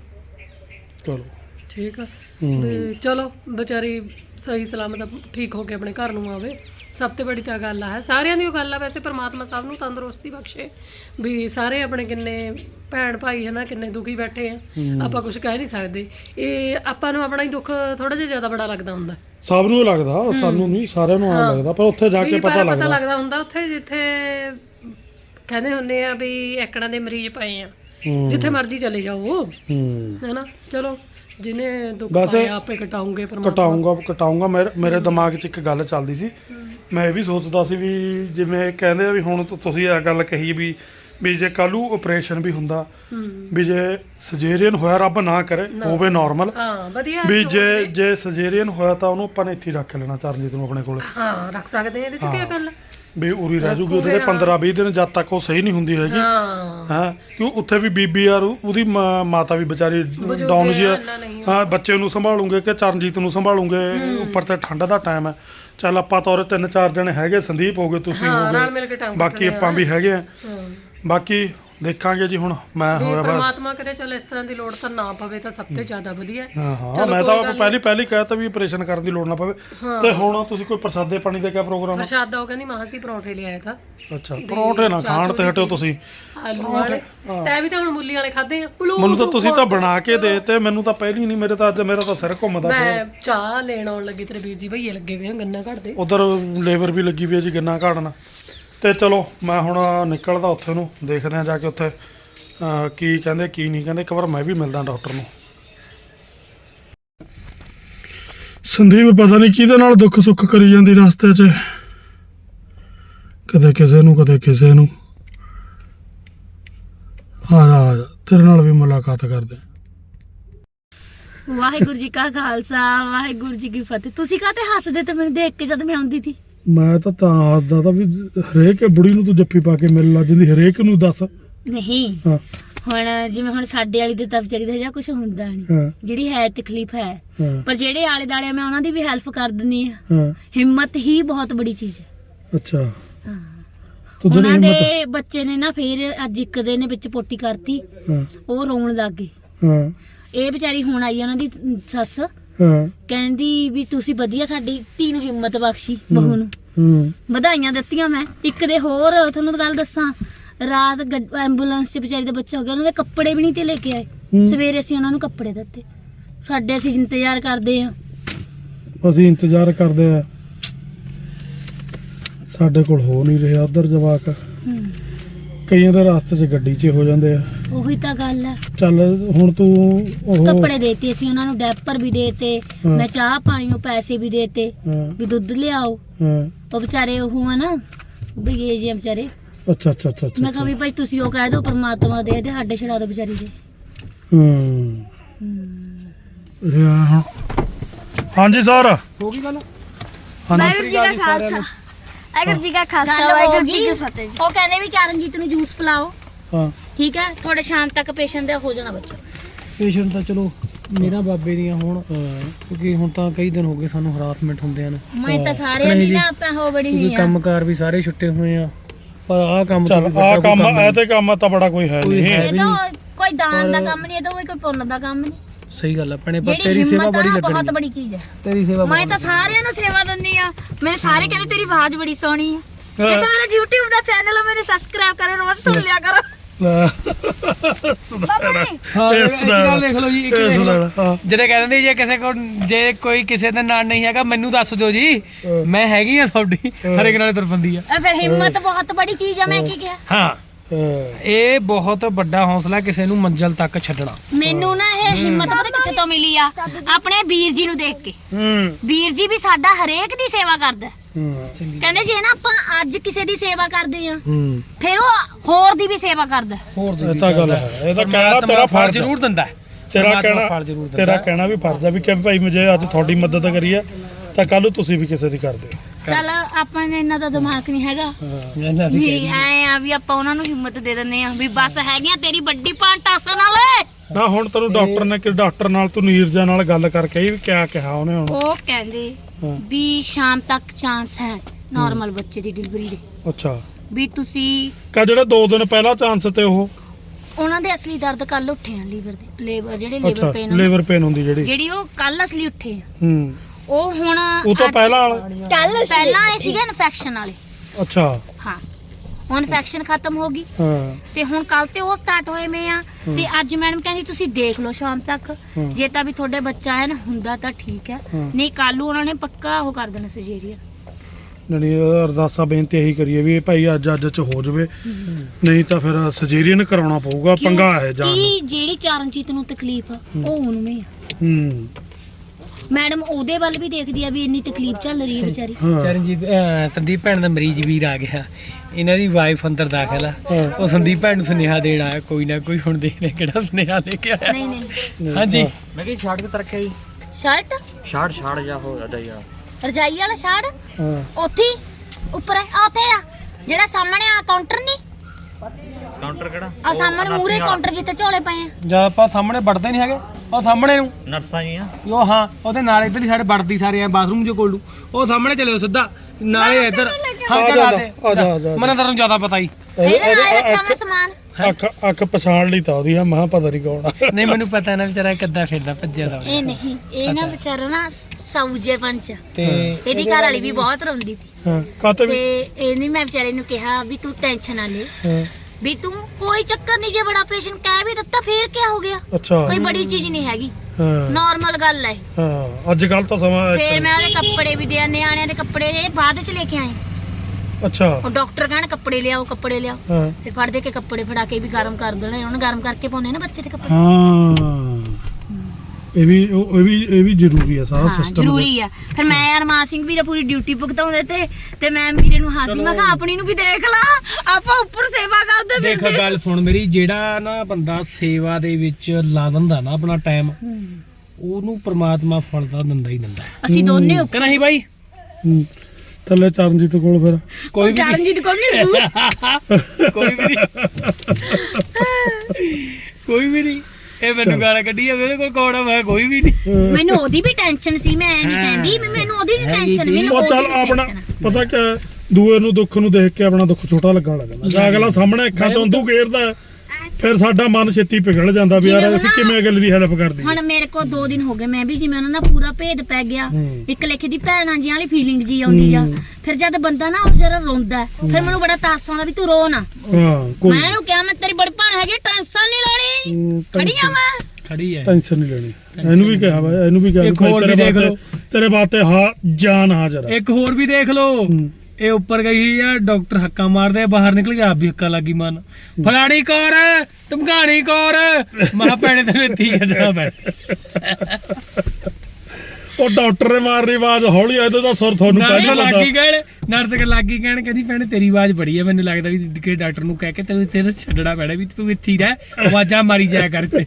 S1: ਚਲੋ
S2: ਠੀਕ ਆ
S1: ਹੂੰ।
S2: ਵੀ ਚਲੋ ਵਿਚਾਰੀ ਸਹੀ ਸਲਾਮਤ ਠੀਕ ਹੋ ਕੇ ਆਪਣੇ ਘਰ ਨੂੰ ਆਵੇ, ਸਭ ਤੋਂ ਬੜੀ ਤਾਂ ਗੱਲ ਆ। ਸਾਰਿਆਂ ਦੀ ਉਹ ਗੱਲ ਆ, ਵੈਸੇ ਪ੍ਰਮਾਤਮਾ ਸਭ ਨੂੰ ਤੰਦਰੁਸਤੀ ਬਖਸ਼ੇ ਵੀ ਸਾਰੇ ਆਪਣੇ ਕਿੰਨੇ ਭੈਣ ਭਾਈ ਹੈ ਨਾ ਕਿੰਨੇ ਦੁਖੀ ਬੈਠੇ ਆ,
S1: ਹੂੰ।
S2: ਆਪਾਂ ਕੁਝ ਕਹਿ ਨਹੀਂ ਸਕਦੇ। ਇਹ ਆਪਾਂ ਨੂੰ ਆਪਣਾ ਹੀ ਦੁੱਖ ਥੋੜਾ ਜਿਹਾ ਜ਼ਿਆਦਾ ਬੜਾ ਲੱਗਦਾ ਹੁੰਦਾ
S1: ਸਭ ਨੂੰ ਹੀ ਲੱਗਦਾ, ਸਾਨੂੰ ਨਹੀਂ ਸਾਰਿਆਂ ਨੂੰ ਆ
S2: ਹਾਂ।
S1: ਲੱਗਦਾ, ਪਰ ਉੱਥੇ ਜਾ ਕੇ
S2: ਵੀ ਪਰ
S1: ਪਤਾ
S2: ਪਤਾ
S1: ਲੱਗਦਾ।
S2: ਲੱਗਦਾ ਹੁੰਦਾ ਉੱਥੇ ਜਿੱਥੇ ਕਹਿੰਦੇ ਹੁੰਦੇ ਆ ਵੀ ਐਕੜਾਂ ਦੇ ਮਰੀਜ਼ ਪਏ ਆ,
S1: ਹੂੰ।
S2: ਜਿੱਥੇ ਮਰਜ਼ੀ ਚਲੇ ਜਾਓ
S1: ਹੂੰ
S2: ਹੈਨਾ। ਚਲੋ ਜਿਹਨੇ ਦੁੱਖ
S1: ਵੈਸੇ
S2: ਪਾਇਆ ਆਪੇ ਕਟਾਉਂਗੇ ਪਰਮਾਤਮਾ।
S1: ਕਟਾਉਂਗਾ ਕਟਾਉਂਗਾ ਮੇਰੇ ਮੇਰੇ ਦਿਮਾਗ 'ਚ ਇੱਕ ਗੱਲ ਚੱਲਦੀ ਸੀ,
S2: ਹੂੰ।
S1: ਮੈਂ ਇਹ ਵੀ ਸੋਚਦਾ ਸੀ ਵੀ ਜਿਵੇਂ ਕਹਿੰਦੇ ਆ ਵੀ ਹੁਣ ਤੁ- ਤੁਸੀਂ ਇਹ ਗੱਲ ਕਹੀ ਵੀ ਵੀ ਜੇ ਕੱਲ੍ਹ ਨੂੰ ਆਪਰੇਸ਼ਨ ਵੀ ਹੁੰਦਾ
S2: ਹੂੰ
S1: ਵੀ ਜੇ ਸਜੇਰੀਅਨ ਹੋਇਆ ਰੱਬ ਨਾ ਕਰੇ
S2: ਨਾ।
S1: ਹੋਵੇ ਨਾਰਮਲ,
S2: ਹਾਂ ਵਧੀਆ
S1: ਵੀ
S2: ਸੋਚ
S1: ਜੇ
S2: ਰਹੇ।
S1: ਜੇ ਸਜੇਰੀਅਨ ਹੋਇਆ ਤਾਂ ਉਹਨੂੰ ਆਪਾਂ ਨੇ ਇੱਥੇ ਹੀ ਰੱਖ ਲੈਣਾ ਚਰਨਜੀਤ ਨੂੰ ਆਪਣੇ ਕੋਲ,
S2: ਹਾਂ ਰੱਖ ਸਕਦੇ ਆ, ਇਹਦੇ ਚ ਕੀ
S1: ਹਾਂ।
S2: ਗੱਲ ਆ?
S1: ਵੀ ਉਰੀ ਰਹਿ ਜੂਗੀ
S2: ਰੱਖੋਗੇ,
S1: ਉਹਦੇ
S2: ਹਾਂ।
S1: ਪੰਦਰਾਂ ਵੀਹ ਦਿਨ ਜਦ ਤੱਕ ਉਹ ਸਹੀ ਨਹੀਂ ਹੁੰਦੀ ਹੈਗੀ।
S2: ਹਾਂ
S1: ਹਾਂ ਕਿਉਂ ਉੱਥੇ ਵੀ ਬੀਬੀ ਯਾਰ ਉਹਦੀ ਮਾਂ- ਮਾਤਾ ਵੀ ਵਿਚਾਰੀ
S2: ਬਜ਼ੁਰਗ
S1: ਡਾਊਨ ਜੀ
S2: ਆ,
S1: ਆ।
S2: ਇੰਨਾ ਨਹੀਂ
S1: ਹਾਂ ਬੱਚੇ ਨੂੰ ਸੰਭਾਲੂਗੇ ਕਿ ਚਰਨਜੀਤ ਨੂੰ ਸੰਭਾਲੂਗੇ,
S2: ਹੂੰ।
S1: ਉੱਪਰ ਤੇ ਠੰਡ ਦਾ ਟਾਈਮ ਹੈ। ਚੱਲ ਆਪਾਂ ਤਾਂ ਉਰੇ ਤਿੰਨ ਚਾਰ ਜਣੇ ਹੈਗੇ, ਸੰਦੀਪ ਹੋ ਗਏ, ਤੁਸੀਂ
S2: ਹਾਂ
S1: ਹੋ
S2: ਨਾਲ
S1: ਗਏ,
S2: ਮਿਲ ਕੇ ਟਾਈਮ
S1: ਬਾਕੀ ਆਪਾਂ ਵੀ ਹੈਗੇ ਆ।
S2: ਹਾਂ
S1: ਬਾਕੀ ਦੇਖਾਂਗੇ ਜੀ ਹੁਣ ਮੈਂ
S2: ਵੀ
S1: ਹੋਇਆ ਬਸ।
S2: ਪਰਮਾਤਮਾ ਕਰੇ ਚਲ ਇਸ ਤਰ੍ਹਾਂ ਦੀ ਲੋੜ ਤਾਂ ਨਾ ਪਵੇ ਤਾਂ ਸਭ ਤੋਂ ਜ਼ਿਆਦਾ ਵਧੀਆ ਹੈ।
S1: ਹਾਂ ਹਾਂ
S2: ਚਲੋ
S1: ਮੈਂ
S2: ਕੋਈ
S1: ਤਾਂ
S2: ਗੱਲ
S1: ਪਹਿਲੀ ਪਹਿਲੀ ਕਹਿਤਾ ਵੀ ਆਪਰੇਸ਼ਨ ਕਰਨ ਦੀ ਲੋੜ ਨਾ ਪਵੇ।
S2: ਹਾਂ।
S1: ਤੇ ਹੁਣ ਤੁਸੀਂ ਕੋਈ ਪ੍ਰਸਾਦੇ ਪਾਣੀ ਦਾ ਕਿਆ ਪ੍ਰੋਗਰਾਮ ਹੈ?
S2: ਪ੍ਰਸ਼ਾਦਾ ਉਹ ਕਹਿੰਦੀ ਮਾਸੀ ਪਰੌਂਠੇ ਲਿਆਇਆ ਥਾ,
S1: ਅੱਛਾ ਪਰੌਂਠੇ ਨਾ
S2: ਚਾਹ
S1: ਖਾਣ ਤੇ
S2: ਚੂਹ
S1: ਹਟਿਓ
S2: ਦੀ।
S1: ਤੁਸੀਂ।
S2: ਆਲੂ ਵਾਲੇ
S1: ਹਾਂ।
S2: ਤੈ ਵੀ ਤਾਂ ਹੁਣ ਮੂਲੀ ਵਾਲੇ ਖਾਦੇ ਆ। ਬਲੂ
S1: ਮੈਨੂੰ ਤਾਂ ਤੁਸੀਂ ਤਾਂ
S2: ਬਹੁਤ-
S1: ਬਣਾ ਕੇ ਦੇ ਤੇ, ਮੈਨੂੰ ਤਾਂ ਪਹਿਲੀ ਨਹੀਂ, ਮੇਰੇ ਤਾਂ ਅੱਜ ਮੇਰਾ ਤਾਂ ਸਿਰ ਘੁੰਮਦਾ
S2: ਮੈਂ ਚਾਹ ਲੈਣ ਆਉਣ ਲੱਗੀ, ਤੇਰੇ ਵੀਰ ਜੀ ਭਈਏ ਲੱਗੇ ਹੋਏ ਆ ਗੰਨਾ ਘੜਦੇ।
S1: ਉਧਰ ਲੇਬਰ ਵੀ ਲੱਗੀ ਵੀ ਹੈ ਜੀ ਗੰਨਾ ਘਾੜਨ। ਤੇ ਚਲੋ ਮੈਂ ਹੁਣ ਨਿਕਲਦਾ ਉੱਥੇ ਨੂੰ, ਦੇਖਦੇ ਆ ਜਾ ਕੇ ਉੱਥੇ ਅਹ, ਕੀ ਕਹਿੰਦੇ ਕੀ ਨਹੀਂ ਕਹਿੰਦੇ। ਇੱਕ ਵਾਰ ਮੈਂ ਵੀ ਮਿਲਦਾ ਡਾਕਟਰ ਨੂੰ। ਸੰਦੀਪ ਪਤਾ ਨਹੀਂ ਕਿਹਦੇ ਨਾਲ ਦੁੱਖ ਸੁੱਖ ਕਰੀ ਜਾਂਦੀ ਰਸਤੇ 'ਚ, ਕਦੇ ਕਿਸੇ ਨੂੰ ਕਦੇ ਕਿਸੇ ਨੂੰ। ਆ ਜਾ ਆ ਜਾ ਤੇਰੇ ਨਾਲ ਵੀ ਮੁਲਾਕਾਤ ਕਰਦੇ।
S3: ਵਾਹਿਗੁਰੂ ਜੀ ਕਾ ਖਾਲਸਾ ਵਾਹਿਗੁਰੂ ਜੀ ਕੀ ਫਤਿਹ। ਤੁਸੀਂ ਕਾਹਤੇ ਹੱਸਦੇ ਤੇ ਮੈਨੂੰ ਦੇਖ ਕੇ ਜਦ ਮੈਂ ਆਉਂਦੀ ਸੀ?
S1: ਮੈਂ ਤਾਂ ਤਾਂ ਹੱਸਦਾ ਤਾਂ ਵੀ ਹਰੇਕ ਬੁੜੀ ਨੂੰ ਤੂੰ ਜੱਫੀ ਪਾ ਕੇ ਮਿਲ ਲੱਗ ਜਾਂਦੀ, ਹਰੇਕ ਨੂੰ ਦੱਸ।
S3: ਨਹੀਂ
S1: ਹਾਂ
S3: ਹੁਣ ਜਿਵੇਂ ਹੁਣ ਸਾਡੇ ਵਾਲੀ ਦੇ ਤਾਂ ਵਿਚਾਰੀ ਦਾ ਜਾਂ ਕੁਝ ਹੁੰਦਾ ਨਹੀਂ,
S1: ਹਾਂ
S3: ਜਿਹੜੀ ਹੈ ਤਕਲੀਫ ਹੈ,
S1: ਹਾਂ
S3: ਪਰ ਜਿਹੜੇ ਆਲੇ ਦਾਲੇ ਆ, ਮੈਂ ਉਹਨਾਂ ਦੀ ਵੀ ਹੈਲਪ ਕਰ ਦਿੰਦੀ ਆ।
S1: ਹਾਂ
S3: ਹਿੰਮਤ ਹੀ ਬਹੁਤ ਬੜੀ ਚੀਜ਼ ਹੈ।
S1: ਅੱਛਾ
S3: ਹਾਂ
S1: ਤੂੰ ਜਿਹੜੀ
S3: ਉਹਨਾਂ
S1: ਹਿੰਮਤ
S3: ਦੇ ਬੱਚੇ ਨੇ ਨਾ ਫੇਰ ਅੱਜ ਇੱਕ ਦੇ ਨੇ ਵਿੱਚ ਪੋਟੀ ਕਰਤੀ,
S1: ਹਾਂ
S3: ਉਹ ਰੋਣ ਲੱਗ ਗਏ।
S1: ਹਾਂ
S3: ਇਹ ਵਿਚਾਰੀ ਹੁਣ ਆਈ ਆ ਉਹਨਾਂ ਦੀ ਸੱਸ,
S1: ਹਾਂ
S3: ਕਹਿੰਦੀ ਵੀ ਤੁਸੀਂ ਵਧੀਆ ਸਾਡੀ ਧੀ ਨੂੰ ਹਿੰਮਤ ਬਖਸ਼ੀ, ਬਹੂ ਨੂੰ
S1: ਹੂੰ
S3: ਵਧਾਈਆਂ ਦਿੱਤੀਆਂ। ਮੈਂ ਇੱਕ ਦੇ ਹੋਰ ਤੁਹਾਨੂੰ ਗੱਲ ਦੱਸਾਂ, ਰਾਤ ਗੱਡ- ਐਂਬੂਲੈਂਸ 'ਚ ਵਿਚਾਰੀ ਦਾ ਬੱਚਾ ਹੋ ਗਿਆ, ਉਹਨਾਂ ਦੇ ਕੱਪੜੇ ਵੀ ਨਹੀਂ ਤੇ ਲੈ ਕੇ ਆਏ।
S1: ਹੂੰ।
S3: ਸਵੇਰੇ ਅਸੀਂ ਉਹਨਾਂ ਨੂੰ ਕੱਪੜੇ ਦਿੱਤੇ, ਸਾਡੇ ਅਸੀਂ ਇੰਤਜ਼ਾਰ ਕਰਦੇ ਆ।
S1: ਅਸੀਂ ਇੰਤਜ਼ਾਰ ਕਰਦੇ ਆ, ਸਾਡੇ ਕੋਲ ਹੋ ਨਹੀਂ ਰਿਹਾ ਉਧਰ ਜਵਾਕ।
S3: ਹੂੰ
S1: ਕਈਆਂ ਦੇ ਰਸਤੇ 'ਚ ਗੱਡੀ 'ਚ ਹੋ ਜਾਂਦੇ ਆ।
S3: ਉਹੀ ਤਾਂ ਗੱਲ ਹੈ।
S1: ਚੱਲ ਹੁਣ ਤੂੰ ਉਹ
S3: ਕੱਪੜੇ ਦੇਤੇ ਅਸੀਂ ਉਹਨਾਂ ਨੂੰ, ਡੈਪਰ ਵੀ ਦੇਤੇ,
S1: ਹਾਂ।
S3: ਮੈਂ ਚਾਹ ਪਾਣੀ ਨੂੰ ਪੈਸੇ ਵੀ ਦੇਤੇ
S1: ਹਾਂ
S3: ਵੀ ਦੁੱਧ ਲਿਆਓ।
S1: ਹਾਂ
S3: ਉਹ ਵਿਚਾਰੇ ਉਹ ਆ ਨਾ ਬਈਏ ਜੀ ਵਿਚਾਰੇ।
S1: ਅੱਛਾ ਅੱਛਾ ਅੱਛਾ ਅੱਛਾ
S3: ਮੈਂ ਕਿਹਾ ਵੀ ਭਾਈ ਤੁਸੀਂ ਉਹ ਕਹਿ ਦਿਓ ਪਰਮਾਤਮਾ ਦੇ ਦੇ, ਸਾਡੇ ਛੜਾ ਦਿਓ ਵਿਚਾਰੀ ਦੇ।
S1: ਹੂੰ
S3: ਹੂੰ।
S1: ਇਹ ਆ ਹੁਣ। ਹਾਂਜੀ ਸਰ
S2: ਹੋ ਗਈ ਗੱਲ।
S3: ਵਾਹਿਗੁਰੂ ਜੀ ਕਾ ਖਾਲਸਾ
S2: ਵਾਹਿਗੁਰੂ ਜੀ ਕਾ
S3: ਖਾਲਸਾ ਵਾਹਿਗੁਰੂ ਜੀ ਕੀ ਫਤਿਹ। ਉਹ ਕਹਿੰਦੇ ਵੀ ਚਰਨਜੀਤ ਨੂੰ ਜੂਸ ਪਿਲਾਓ,
S1: ਹਾਂ
S3: ਠੀਕ ਹੈ, ਥੋੜੇ ਸ਼ਾਮ ਤੱਕ ਪੇਸ਼ੈਂਟ ਦਾ ਹੋ ਜਾਣਾ ਬੱਚਾ।
S2: ਪੇਸ਼ੈਂਟ ਤਾਂ ਚਲੋ ਮੇਰਾ ਬਾਬੇ ਦੀਆਂ ਹੋਣ,
S1: ਹਾਂ
S2: ਕਿਉਂਕਿ ਹੁਣ ਤਾਂ ਕਈ ਦਿਨ ਹੋ ਗਏ ਸਾਨੂੰ ਹਰਾਸਮੈਂਟ ਹੁੰਦਿਆਂ ਨੂੰ।
S3: ਮੈਂ ਤਾਂ ਸਾਰਿਆਂ ਦੀ ਨਾ ਆਪਾਂ ਹੋ ਬੜੀ
S2: ਕਿਉਂਕਿ
S3: ਨਹੀਂ ਆ।
S2: ਕੰਮਕਾਰ ਵੀ ਸਾਰੇ ਛੁੱਟੇ ਹੋਏ ਆ, ਪਰ ਆਹ ਕੰਮ
S1: ਚੱਲ
S2: ਤੋਂ ਵੀ
S1: ਆ
S2: ਵੱਡਾ
S1: ਕੰਮ
S2: ਕੋਈ
S1: ਇਹ ਤੇ ਕੰਮ ਤਾਂ ਬੜਾ ਕੋਈ ਹੈ
S2: ਕੋਈ
S1: ਨਹੀਂ।
S2: ਹੈ।
S3: ਇਹ ਤਾਂ ਕੋਈ ਦਾਨ ਦਾ ਕੰਮ ਨਹੀਂ, ਇਹ ਤਾਂ ਕੋਈ ਪੁੰਨ ਦਾ ਕੰਮ ਨਹੀਂ।
S2: ਸਹੀ ਗੱਲ ਆ ਭੈਣੇ, ਪਰ
S3: ਜਿਹੜੀ
S2: ਤੇਰੀ ਸੇਵਾ
S3: ਹਿੰਮਤ
S2: ਬੜੀ
S3: ਆ ਬਹੁਤ
S2: ਲੱਗਣੀ
S3: ਬੜੀ ਚੀਜ਼ ਹੈ।
S2: ਤੇਰੀ ਸੇਵਾ
S3: ਮੈਂ ਤਾਂ ਸਾਰਿਆਂ ਨੂੰ ਸੇਵਾ ਦਿੰਦੀ ਆ। ਮੈਨੂੰ ਸਾਰੇ ਕਹਿੰਦੇ ਤੇਰੀ ਆਵਾਜ਼ ਬੜੀ ਸੋਹਣੀ ਆ। ਤੇ ਮੇਰਾ YouTube ਦਾ ਚੈਨਲ ਆ, ਮੈਨੂੰ ਸਬਸਕ੍ਰਾਈਬ ਕਰੋ, ਰੋਜ਼ ਸੁਣ ਲਿਆ ਕਰੋ।
S2: ਹਾਂ ਇੱਕ ਗੱਲ ਦੇਖ ਲਓ ਜੀ, ਇੱਕ ਦੇਖ ਲਓ ਜਿਹੜੇ ਕਹਿੰਦੇ ਜੇ ਕਿਸੇ ਕੋਲ ਜੇ ਕੋਈ ਕਿਸੇ ਦੇ ਨਾਲ ਨਹੀਂ ਹੈਗਾ ਮੈਨੂੰ ਦੱਸ ਦਿਓ ਜੀ, ਮੈਂ ਹੈਗੀ ਆ ਤੁਹਾਡੀ, ਹਰੇਕ ਨਾਲੇ ਤੁਰਪੰਦੀ ਆ।
S3: ਇਹ ਫਿਰ ਹਿੰਮਤ ਬਹੁਤ ਬੜੀ ਚੀਜ਼ ਆ। ਮੈਂ ਕੀ ਕਿਹਾ,
S2: ਹਾਂ ਇਹ ਬਹੁਤ ਵੱਡਾ ਹੌਸਲਾ ਕਿਸੇ ਨੂੰ ਮੰਜ਼ਿਲ ਤੱਕ ਛੱਡਣਾ।
S3: ਮੈਨੂੰ ਨਾ ਇਹ ਹਿੰਮਤ ਪਤਾ ਕਿੱਥੇ ਤੋਂ ਮਿਲੀ ਆ, ਆਪਣੇ ਵੀਰ ਜੀ ਨੂੰ ਦੇਖ ਕੇ।
S1: ਹੂੰ
S3: ਵੀਰ ਜੀ ਵੀ ਸਾਡਾ ਹਰੇਕ ਦੀ ਸੇਵਾ ਕਰਦਾ।
S1: ਹੂੰ
S3: ਕਹਿੰਦੇ ਜੇ ਨਾ ਆਪਾਂ ਅੱਜ ਕਿਸੇ ਦੀ ਸੇਵਾ ਕਰਦੇ ਆ,
S2: ਹੂੰ
S3: ਫਿਰ ਉਹ ਹੋਰ ਦੀ ਵੀ ਸੇਵਾ ਕਰਦਾ।
S2: ਹੋਰ
S1: ਇਹ ਤਾਂ ਗੱਲ ਹੈ, ਇਹ ਤਾਂ ਕਹਿਣਾ ਤੇਰਾ ਫਰਜ਼
S2: ਜ਼ਰੂਰ ਦਿੰਦਾ ਹੈ।
S1: ਤੇਰਾ
S2: ਫਲ
S1: ਕਹਿਣਾ
S2: ਜ਼ਰੂਰ ਦਿੰਦਾ
S1: ਤੇਰਾ
S2: ਹੈ।
S1: ਕਹਿਣਾ ਵੀ ਫਰਜ਼ ਆ ਵੀ ਕਿ ਭਾਈ ਮੁਝੇ ਅੱਜ ਤੁਹਾਡੀ ਮਦਦ ਕਰੀ ਹੈ ਤਾਂ ਕੱਲ ਨੂੰ ਤੁਸੀਂ ਵੀ ਕਿਸੇ ਦੀ ਕਰਦੇ ਹੋ।
S3: ਚੱਲ ਆਪਾਂ ਨੇ ਇੰਨਾ ਤਾਂ ਦਿਮਾਗ ਨਹੀਂ ਹੈਗਾ
S2: ਇਹਨਾਂ ਦੀ
S3: ਵੀ ਐ ਆ ਵੀ ਆਪਾਂ ਉਹਨਾਂ ਨੂੰ ਹਿੰਮਤ ਦੇ ਦਿੰਦੇ ਆ ਵੀ ਬਸ ਹੈਗੀਆਂ ਤੇਰੀ ਵੱਡੀ ਪਾਂ ਟਾਸਣ ਵਾਲੇ।
S1: ਨਾ ਹੁਣ ਤੈਨੂੰ ਡਾਕਟਰ ਨੇ ਕਿ ਡਾਕਟਰ ਨਾਲ ਤੂੰ ਨੀਰਜਾ ਨਾਲ ਗੱਲ ਕਰਕੇ ਵੀ ਕਿਆ ਕਿਹਾ ਉਹਨੇ ਹੁਣ?
S3: ਉਹ ਕਹਿੰਦੇ
S1: ਹਾਂ।
S3: ਵੀ ਸ਼ਾਮ ਤੱਕ ਚਾਂਸ ਹੈ ਨਾਰਮਲ ਬੱਚੇ ਦੀ ਡਿਲੀਵਰੀ ਦੇ,
S1: ਅੱਛਾ
S3: ਵੀ ਤੁਸੀਂ
S1: ਕਾ ਜਿਹੜੇ ਦੋ ਦਿਨ ਪਹਿਲਾਂ ਚਾਂਸ ਤੇ ਉਹ
S3: ਉਹਨਾਂ ਦੇ ਅਸਲੀ ਦਰਦ ਕੱਲ ਉੱਠੇ ਆ, ਲੀਵਰ ਦੇ ਲੇਬਰ ਜਿਹੜੇ ਲੇਬਰ
S1: ਅੱਛਾ
S3: ਪੇਨ
S1: ਲੀਵਰ ਪੇਨ ਹੁੰਦੀ ਜਿਹੜੀ
S3: ਜਿਹੜੀ ਉਹ ਕੱਲ ਅਸਲੀ ਉੱਠੇ ਆ।
S1: ਹੂੰ
S3: ਉਹ ਹੁਣ
S1: ਉਹ ਤੋਂ
S3: ਅੱਜ-
S1: ਪਹਿਲਾਂ ਵਾਲਾ?
S3: ਕੱਲ ਪਹਿਲਾਂ ਇਹ ਸੀਗੇ ਇਨਫੈਕਸ਼ਨ ਵਾਲੇ।
S1: ਅੱਛਾ
S3: ਹਾਂ ਹੁਣ ਇਨਫੈਕਸ਼ਨ ਖਤਮ ਹੋ ਗਈ
S1: ਹਾਂ
S3: ਤੇ ਹੁਣ ਕੱਲ ਤੇ ਉਹ ਸਟਾਰਟ ਹੋਏ ਮੇ ਆ। ਤੇ ਅੱਜ ਮੈਡਮ ਕਹਿੰਦੀ ਤੁਸੀਂ ਦੇਖ ਲਓ ਸ਼ਾਮ ਤੱਕ,
S1: ਹੂੰ।
S3: ਜੇ ਤਾਂ ਵੀ ਤੁਹਾਡੇ ਬੱਚਾ ਹੈ ਨਾ ਹੁੰਦਾ ਤਾਂ ਠੀਕ ਹੈ,
S1: ਹੂੰ।
S3: ਨਹੀਂ ਕੱਲ ਨੂੰ ਉਹਨਾਂ ਨੇ ਪੱਕਾ ਉਹ ਕਰ ਦੇਣਾ ਸਰਜਰੀਆ।
S1: ਨਹੀਂ ਅਰਦਾਸਾਂ ਬੇਨਤੀ ਇਹੀ ਕਰੀਏ ਵੀ ਇਹ ਭਾਈ ਅੱਜ ਅੱਜ ਚ ਹੋ ਜਾਵੇ, ਨਹੀਂ ਤਾਂ ਫਿਰ ਸਰਜਰੀਅਨ ਕਰਾਉਣਾ ਪਊਗਾ। ਪੰਗਾ ਹੈ ਜਾਨ
S3: ਕਿ ਜਿਹੜੀ ਚਰਨਜੀਤ ਨੂੰ ਤਕਲੀਫ ਆ ਉਹ ਉਹਨੂੰ ਹੀ ਆ।
S1: ਹੂੰ
S3: ਮੈਡਮ ਉਹਦੇ ਵੱਲ ਵੀ ਦੇਖਦੀ ਆ ਵੀ ਇੰਨੀ ਤਕਲੀਫ ਚੱਲ ਰਹੀ ਹੈ ਵਿਚਾਰੀ।
S1: ਹਾਂ
S2: ਚਰਨਜੀਤ ਅਹ ਸੰਦੀਪ ਭੈਣ ਦਾ ਮਰੀਜ਼ ਵੀਰ ਆ ਗਿਆ, ਇਹਨਾਂ ਦੀ ਵਾਈਫ ਅੰਦਰ ਦਾਖਲ ਆ।
S1: ਹਾਂ।
S2: ਉਹ ਸੰਦੀਪ ਭੈਣ ਨੂੰ ਸੁਨੇਹਾ ਦੇਣ ਆਇਆ, ਕੋਈ ਨਾ ਕੋਈ ਹੁਣ ਦੇਖਦੇ ਕਿਹੜਾ ਸੁਨੇਹਾ ਲੈ ਕੇ ਆਇਆ।
S3: ਨਹੀਂ ਨਹੀਂ
S2: ਹਾਂਜੀ
S4: ਮੈਂ ਕਿਹਾ ਛਾੜ ਕੇ ਤਰੱਕਿਆ ਜੀ,
S3: ਸ਼ਰਟ
S4: ਛਾੜ ਛਾੜ ਜਾ ਹੋ ਜਾਂਦਾ ਯਾਰ।
S3: ਰਜਾਈ ਵਾਲਾ ਸ਼ਾੜ
S1: ਹਾਂ
S3: ਉੱਥੇ ਹੀ ਉੱਪਰ ਹੈ, ਆ ਉੱਥੇ ਆ ਜਿਹੜਾ ਸਾਹਮਣੇ ਆ ਕਾਊਂਟਰ ਨਹੀਂ,
S4: ਕਾਊਂਟਰ ਕਿਹੜਾ?
S3: ਆ ਸਾਹਮਣੇ ਮੂਰੇ ਕਾਊਂਟਰ ਜਿੱਥੇ ਝੋਲੇ ਪਏ ਆ।
S2: ਜਦ ਆਪਾਂ ਸਾਹਮਣੇ ਵੜਦੇ ਨਹੀਂ ਹੈਗੇ, ਉਹ ਸਾਹਮਣੇ ਨੂੰ
S4: ਨਰਸਾਂ ਜੀ ਆ।
S2: ਉਹ ਹਾਂ ਉਹਦੇ ਨਾਲ ਇਧਰਲੀ ਸਾਡੇ ਵੜਦੀ ਸਾਰੇ ਆ ਬਾਥਰੂਮ ਜੋ ਕੋਲ ਨੂੰ, ਉਹ ਸਾਹਮਣੇ ਚਲੇ ਜਾਓ ਸਿੱਧਾ, ਨਾਲੇ ਇੱਧਰ ਹਾਂ
S1: ਆ
S2: ਚੱਲ
S1: ਜਾ,
S2: ਆ ਤੇ
S1: ਆ ਜਾ, ਆ ਜਾ।
S2: ਮੈਨੂੰ ਤਾਂ ਜ਼ਿਆਦਾ ਪਤਾ ਹੀ
S3: ਇਹਦੇ ਨਾਲ ਰੱਖਿਆ ਮੈਂ ਸਮਾਨ।
S1: ਅੱਖ ਅੱਖ ਪਛਾਣ ਲਈ ਤਾਂ ਉਹਦੀ ਆ, ਮਹਾ ਪਤਾ ਨਹੀਂ ਕੌਣ ਆ।
S2: ਨਹੀਂ ਮੈਨੂੰ ਪਤਾ ਨਾ ਵਿਚਾਰਾ ਕਿੱਦਾਂ ਫਿਰਦਾ ਭੱਜਿਆ ਦਾ
S3: ਇਹ ਨਹੀਂ, ਇਹ ਨਾ ਵਿਚਾਰਾ ਨਾ ਸੌਜੇ ਪੰਚ।
S2: ਤੇ
S3: ਇਹਦੀ ਘਰ ਵਾਲੀ ਵੀ ਬਹੁਤ ਰੋਂਦੀ ਸੀ
S1: ਹਾਂ ਕਾਤੇ ਵੀ
S3: ਤੇ ਇਹ ਨਹੀਂ, ਮੈਂ ਵਿਚਾਰੇ ਨੂੰ ਕਿਹਾ ਵੀ ਤੂੰ ਟੈਨਸ਼ਨ ਨਾ ਲੈ,
S1: ਹਾਂ
S3: ਵੀ ਤੂੰ ਕੋਈ ਚੱਕਰ ਨਹੀਂ, ਜੇ ਬੜਾ ਆਪਰੇਸ਼ਨ ਕਹਿ ਵੀ ਦਿੱਤਾ ਫੇਰ ਕੀ ਹੋ ਗਿਆ,
S1: ਅੱਛਾ
S3: ਕੋਈ ਬੜੀ ਚੀਜ਼ ਨਹੀਂ ਹੈਗੀ,
S1: ਹਾਂ
S3: ਨਾਰਮਲ ਗੱਲ ਹੈ।
S1: ਹਾਂ ਅੱਜ ਕੱਲ ਤਾਂ ਸਮਾਂ
S3: ਫੇਰ ਮੈਂ ਉਹਦੇ ਕੱਪੜੇ ਵੀ ਦੇ, ਨਿਆਣਿਆਂ ਦੇ ਕੱਪੜੇ ਇਹ ਬਾਅਦ ਚ ਲੈ ਕੇ ਆਏ।
S1: ਅੱਛਾ
S3: ਉਹ ਡਾਕਟਰ ਕਹਿਣ ਕੱਪੜੇ ਲਿਆਓ ਕੱਪੜੇ ਲਿਆਓ,
S1: ਹਾਂ
S3: ਫਿਰ ਫੜ ਦੇ ਕੇ ਕੱਪੜੇ ਫੜਾ ਕੇ ਵੀ ਗਰਮ ਕਰ ਦੇਣੇ, ਉਹਨੇ ਗਰਮ ਕਰਕੇ ਪਾਉਣੇ ਨਾ ਬੱਚੇ ਦੇ ਕੱਪੜੇ।
S1: ਹਾਂ ਇਹ ਵੀ ਉਹ ਇਹ ਵੀ ਇਹ ਵੀ ਜ਼ਰੂਰੀ ਹੈ ਸਾਰਾ
S3: ਹਾਂ
S1: ਸਿਸਟਮ
S3: ਜ਼ਰੂਰੀ ਆ। ਫਿਰ ਮੈਂ ਅਰਮਾਨ ਸਿੰਘ ਵੀ ਦਾ ਪੂਰੀ ਡਿਊਟੀ ਭੁਗਤਾਉਂਦੇ ਤੇ ਤੇ ਮੈਂ ਵੀਰੇ ਨੂੰ ਹਾਦੀ ਮੈਂ ਕਿਹਾ ਆਪਣੀ ਨੂੰ ਵੀ ਦੇਖ ਲਾ, ਆਪਾਂ ਉੱਪਰ ਸੇਵਾ ਕਰਦੇ
S2: ਦੇਖ
S3: ਫਿਰਦੇ।
S2: ਗੱਲ ਸੁਣ ਮੇਰੀ, ਜਿਹੜਾ ਨਾ ਬੰਦਾ ਸੇਵਾ ਦੇ ਵਿੱਚ ਲਾ ਦਿੰਦਾ ਨਾ ਆਪਣਾ ਟਾਈਮ,
S3: ਹੂੰ।
S2: ਉਹਨੂੰ ਪ੍ਰਮਾਤਮਾ ਫਲ ਤਾਂ ਦਿੰਦਾ ਹੀ ਦਿੰਦਾ।
S3: ਅਸੀਂ ਦੋਨੇ
S2: ਕਿ ਨਹੀਂ ਬਾਈ?
S1: ਹੂੰ। ਥੱਲੇ ਚਰਨਜੀਤ ਕੋਲ ਫਿਰ
S2: ਕੋਈ ਵੀ ਨਹੀਂ,
S3: ਚਰਨਜੀਤ ਕੋਲ ਨਹੀਂ ਦੂਰ
S2: ਕੋਈ ਵੀ ਨਹੀਂ, ਕੋਈ ਵੀ ਨਹੀਂ। ਇਹ ਮੈਨੂੰ ਗਾਲਾਂ ਕੱਢੀ ਆ, ਮੇਰੇ ਕੋਲ ਕੌਣ ਆ, ਮੈਂ ਕੋਈ ਵੀ ਨਹੀਂ।
S3: ਮੈਨੂੰ ਉਹਦੀ ਵੀ ਟੈਨਸ਼ਨ ਸੀ, ਮੈਂ ਇਹ ਨਹੀਂ ਕਹਿੰਦੀ ਵੀ ਮੈਨੂੰ ਉਹਦੀ ਵੀ ਟੈਨਸ਼ਨ, ਮੈਨੂੰ
S1: ਉਹ ਚੱਲ
S3: ਉਹਦੀ ਵੀ
S1: ਆਪਣਾ
S3: tension ਆ।
S1: ਪਤਾ ਕਿ ਦੂਏ ਨੂੰ ਦੁੱਖ ਨੂੰ ਦੇਖ ਕੇ ਆਪਣਾ ਦੁੱਖ ਛੋਟਾ ਲੱਗਣ ਲੱਗਦਾ। ਜਾਂ ਅਗਲਾ ਸਾਹਮਣੇ ਅੱਖਾਂ ਤੋਂ ਅੰਧੂ ਘੇਰਦਾ, ਫਿਰ ਸਾਡਾ ਮਨ ਛੇਤੀ ਪਿਘਲ ਜਾਂਦਾ ਵੀ ਯਾਰ
S3: ਜਿਵੇਂ
S1: ਅਸੀਂ
S3: ਹੁਣ-
S1: ਕਿਵੇਂ ਅਗਲੇ ਦੀ ਹੈਲਪ ਕਰਦੀ
S3: ਹੁਣ ਮੇਰੇ ਕੋਲ ਦੋ ਦਿਨ ਹੋ ਗਏ, ਮੈਂ ਵੀ ਜਿਵੇਂ ਉਹਨਾਂ ਦਾ ਪੂਰਾ ਭੇਦ ਪੈ ਗਿਆ,
S1: ਹੂੰ।
S3: ਇੱਕ ਲੇਖੇ ਦੀ ਭੈਣਾਂ ਜੀ ਵਾਲੀ ਫੀਲਿੰਗ ਜੀ ਆਉਂਦੀ ਆ।
S1: ਹੂੰ।
S3: ਫਿਰ ਜਦ ਬੰਦਾ ਨਾ ਉਹ ਜਰਾ ਰੋਂਦਾ ਹੈ, ਫਿਰ ਮੈਨੂੰ ਬੜਾ ਤਾਸ ਆਉਂਦਾ ਵੀ ਤੂੰ ਰੋ ਨਾ।
S1: ਹਾਂ ਕੋਈ
S3: ਮੈਂ ਉਹਨੂੰ ਕਿਹਾ ਮੈਂ ਤੇਰੀ ਬੜੀ ਭੈਣ ਹੈਗੀ, ਟੈਨਸ਼ਨ ਨਹੀਂ ਲੈਣੀ,
S1: ਹੂੰ,
S3: ਖੜੀ ਆ ਮੈਂ।
S2: ਖੜੀ ਹੈ
S1: ਟੈਨਸ਼ਨ ਨਹੀਂ ਲੈਣੀ ਇਹਨੂੰ ਵੀ ਕਿਹਾ ਵਾ ਇਹਨੂੰ ਵੀ ਕਿਹਾ
S2: ਇੱਕ
S1: ਵੀ
S2: ਹੋਰ
S1: ਤੇਰੇ
S2: ਵੀ ਦੇਖ
S1: ਵਾਸਤੇ
S2: ਲਓ।
S1: ਤੇਰੇ ਵਾਸਤੇ ਹਾਂ ਜਾਨ ਹਾਜ਼ਰ ਹੈ
S2: ਇੱਕ ਹੋਰ ਵੀ ਦੇਖ ਲਓ
S1: ਹੂੰ।
S2: ਇਹ ਉੱਪਰ ਗਈ ਹੋਈ ਆ ਡਾਕਟਰ ਹੱਕਾ ਮਾਰਦੇ ਆ, ਬਾਹਰ ਨਿਕਲ ਗਿਆ ਆਪ ਵੀ ਹੱਕਾ ਲੱਗੀ ਮਨ ਫਲਾਣੀ ਕੌਰ ਧਮਕਾਣੀ ਕੌਰ ਮਹਾ ਭੈਣੇ ਤੈਨੂੰ ਇੱਥੇ ਹੀ ਛੱਡਣਾ ਪੈ
S1: ਉਹ ਡਾਕਟਰ ਨੇ ਮਾਰਨੀ ਆਵਾਜ਼ ਹੌਲੀ ਆਏ ਤਾਂ ਸੁਰ ਤੁਹਾਨੂੰ
S2: ਨਰਸ
S1: ਪਹਿਲਾਂ
S2: ਲੱਗੀ
S1: ਪਤਾ
S2: ਕਹਿਣ ਨਰਸ ਕੇ ਲੱਗੀ ਕਹਿਣ ਕਹਿੰਦੀ ਭੈਣੇ ਤੇਰੀ ਆਵਾਜ਼ ਬੜੀ ਆ ਮੈਨੂੰ ਲੱਗਦਾ ਵੀ ਕਿ ਡਾਕਟਰ ਨੂੰ ਕਹਿ ਕੇ ਤੈਨੂੰ ਤੇਰੇ ਛੱਡਣਾ ਪੈਣਾ ਵੀ ਤੂੰ ਇੱਥੇ ਹੀ ਰਹਿ ਆਵਾਜ਼ਾਂ ਮਾਰੀ ਜਾਇਆ ਕਰ ਤੇ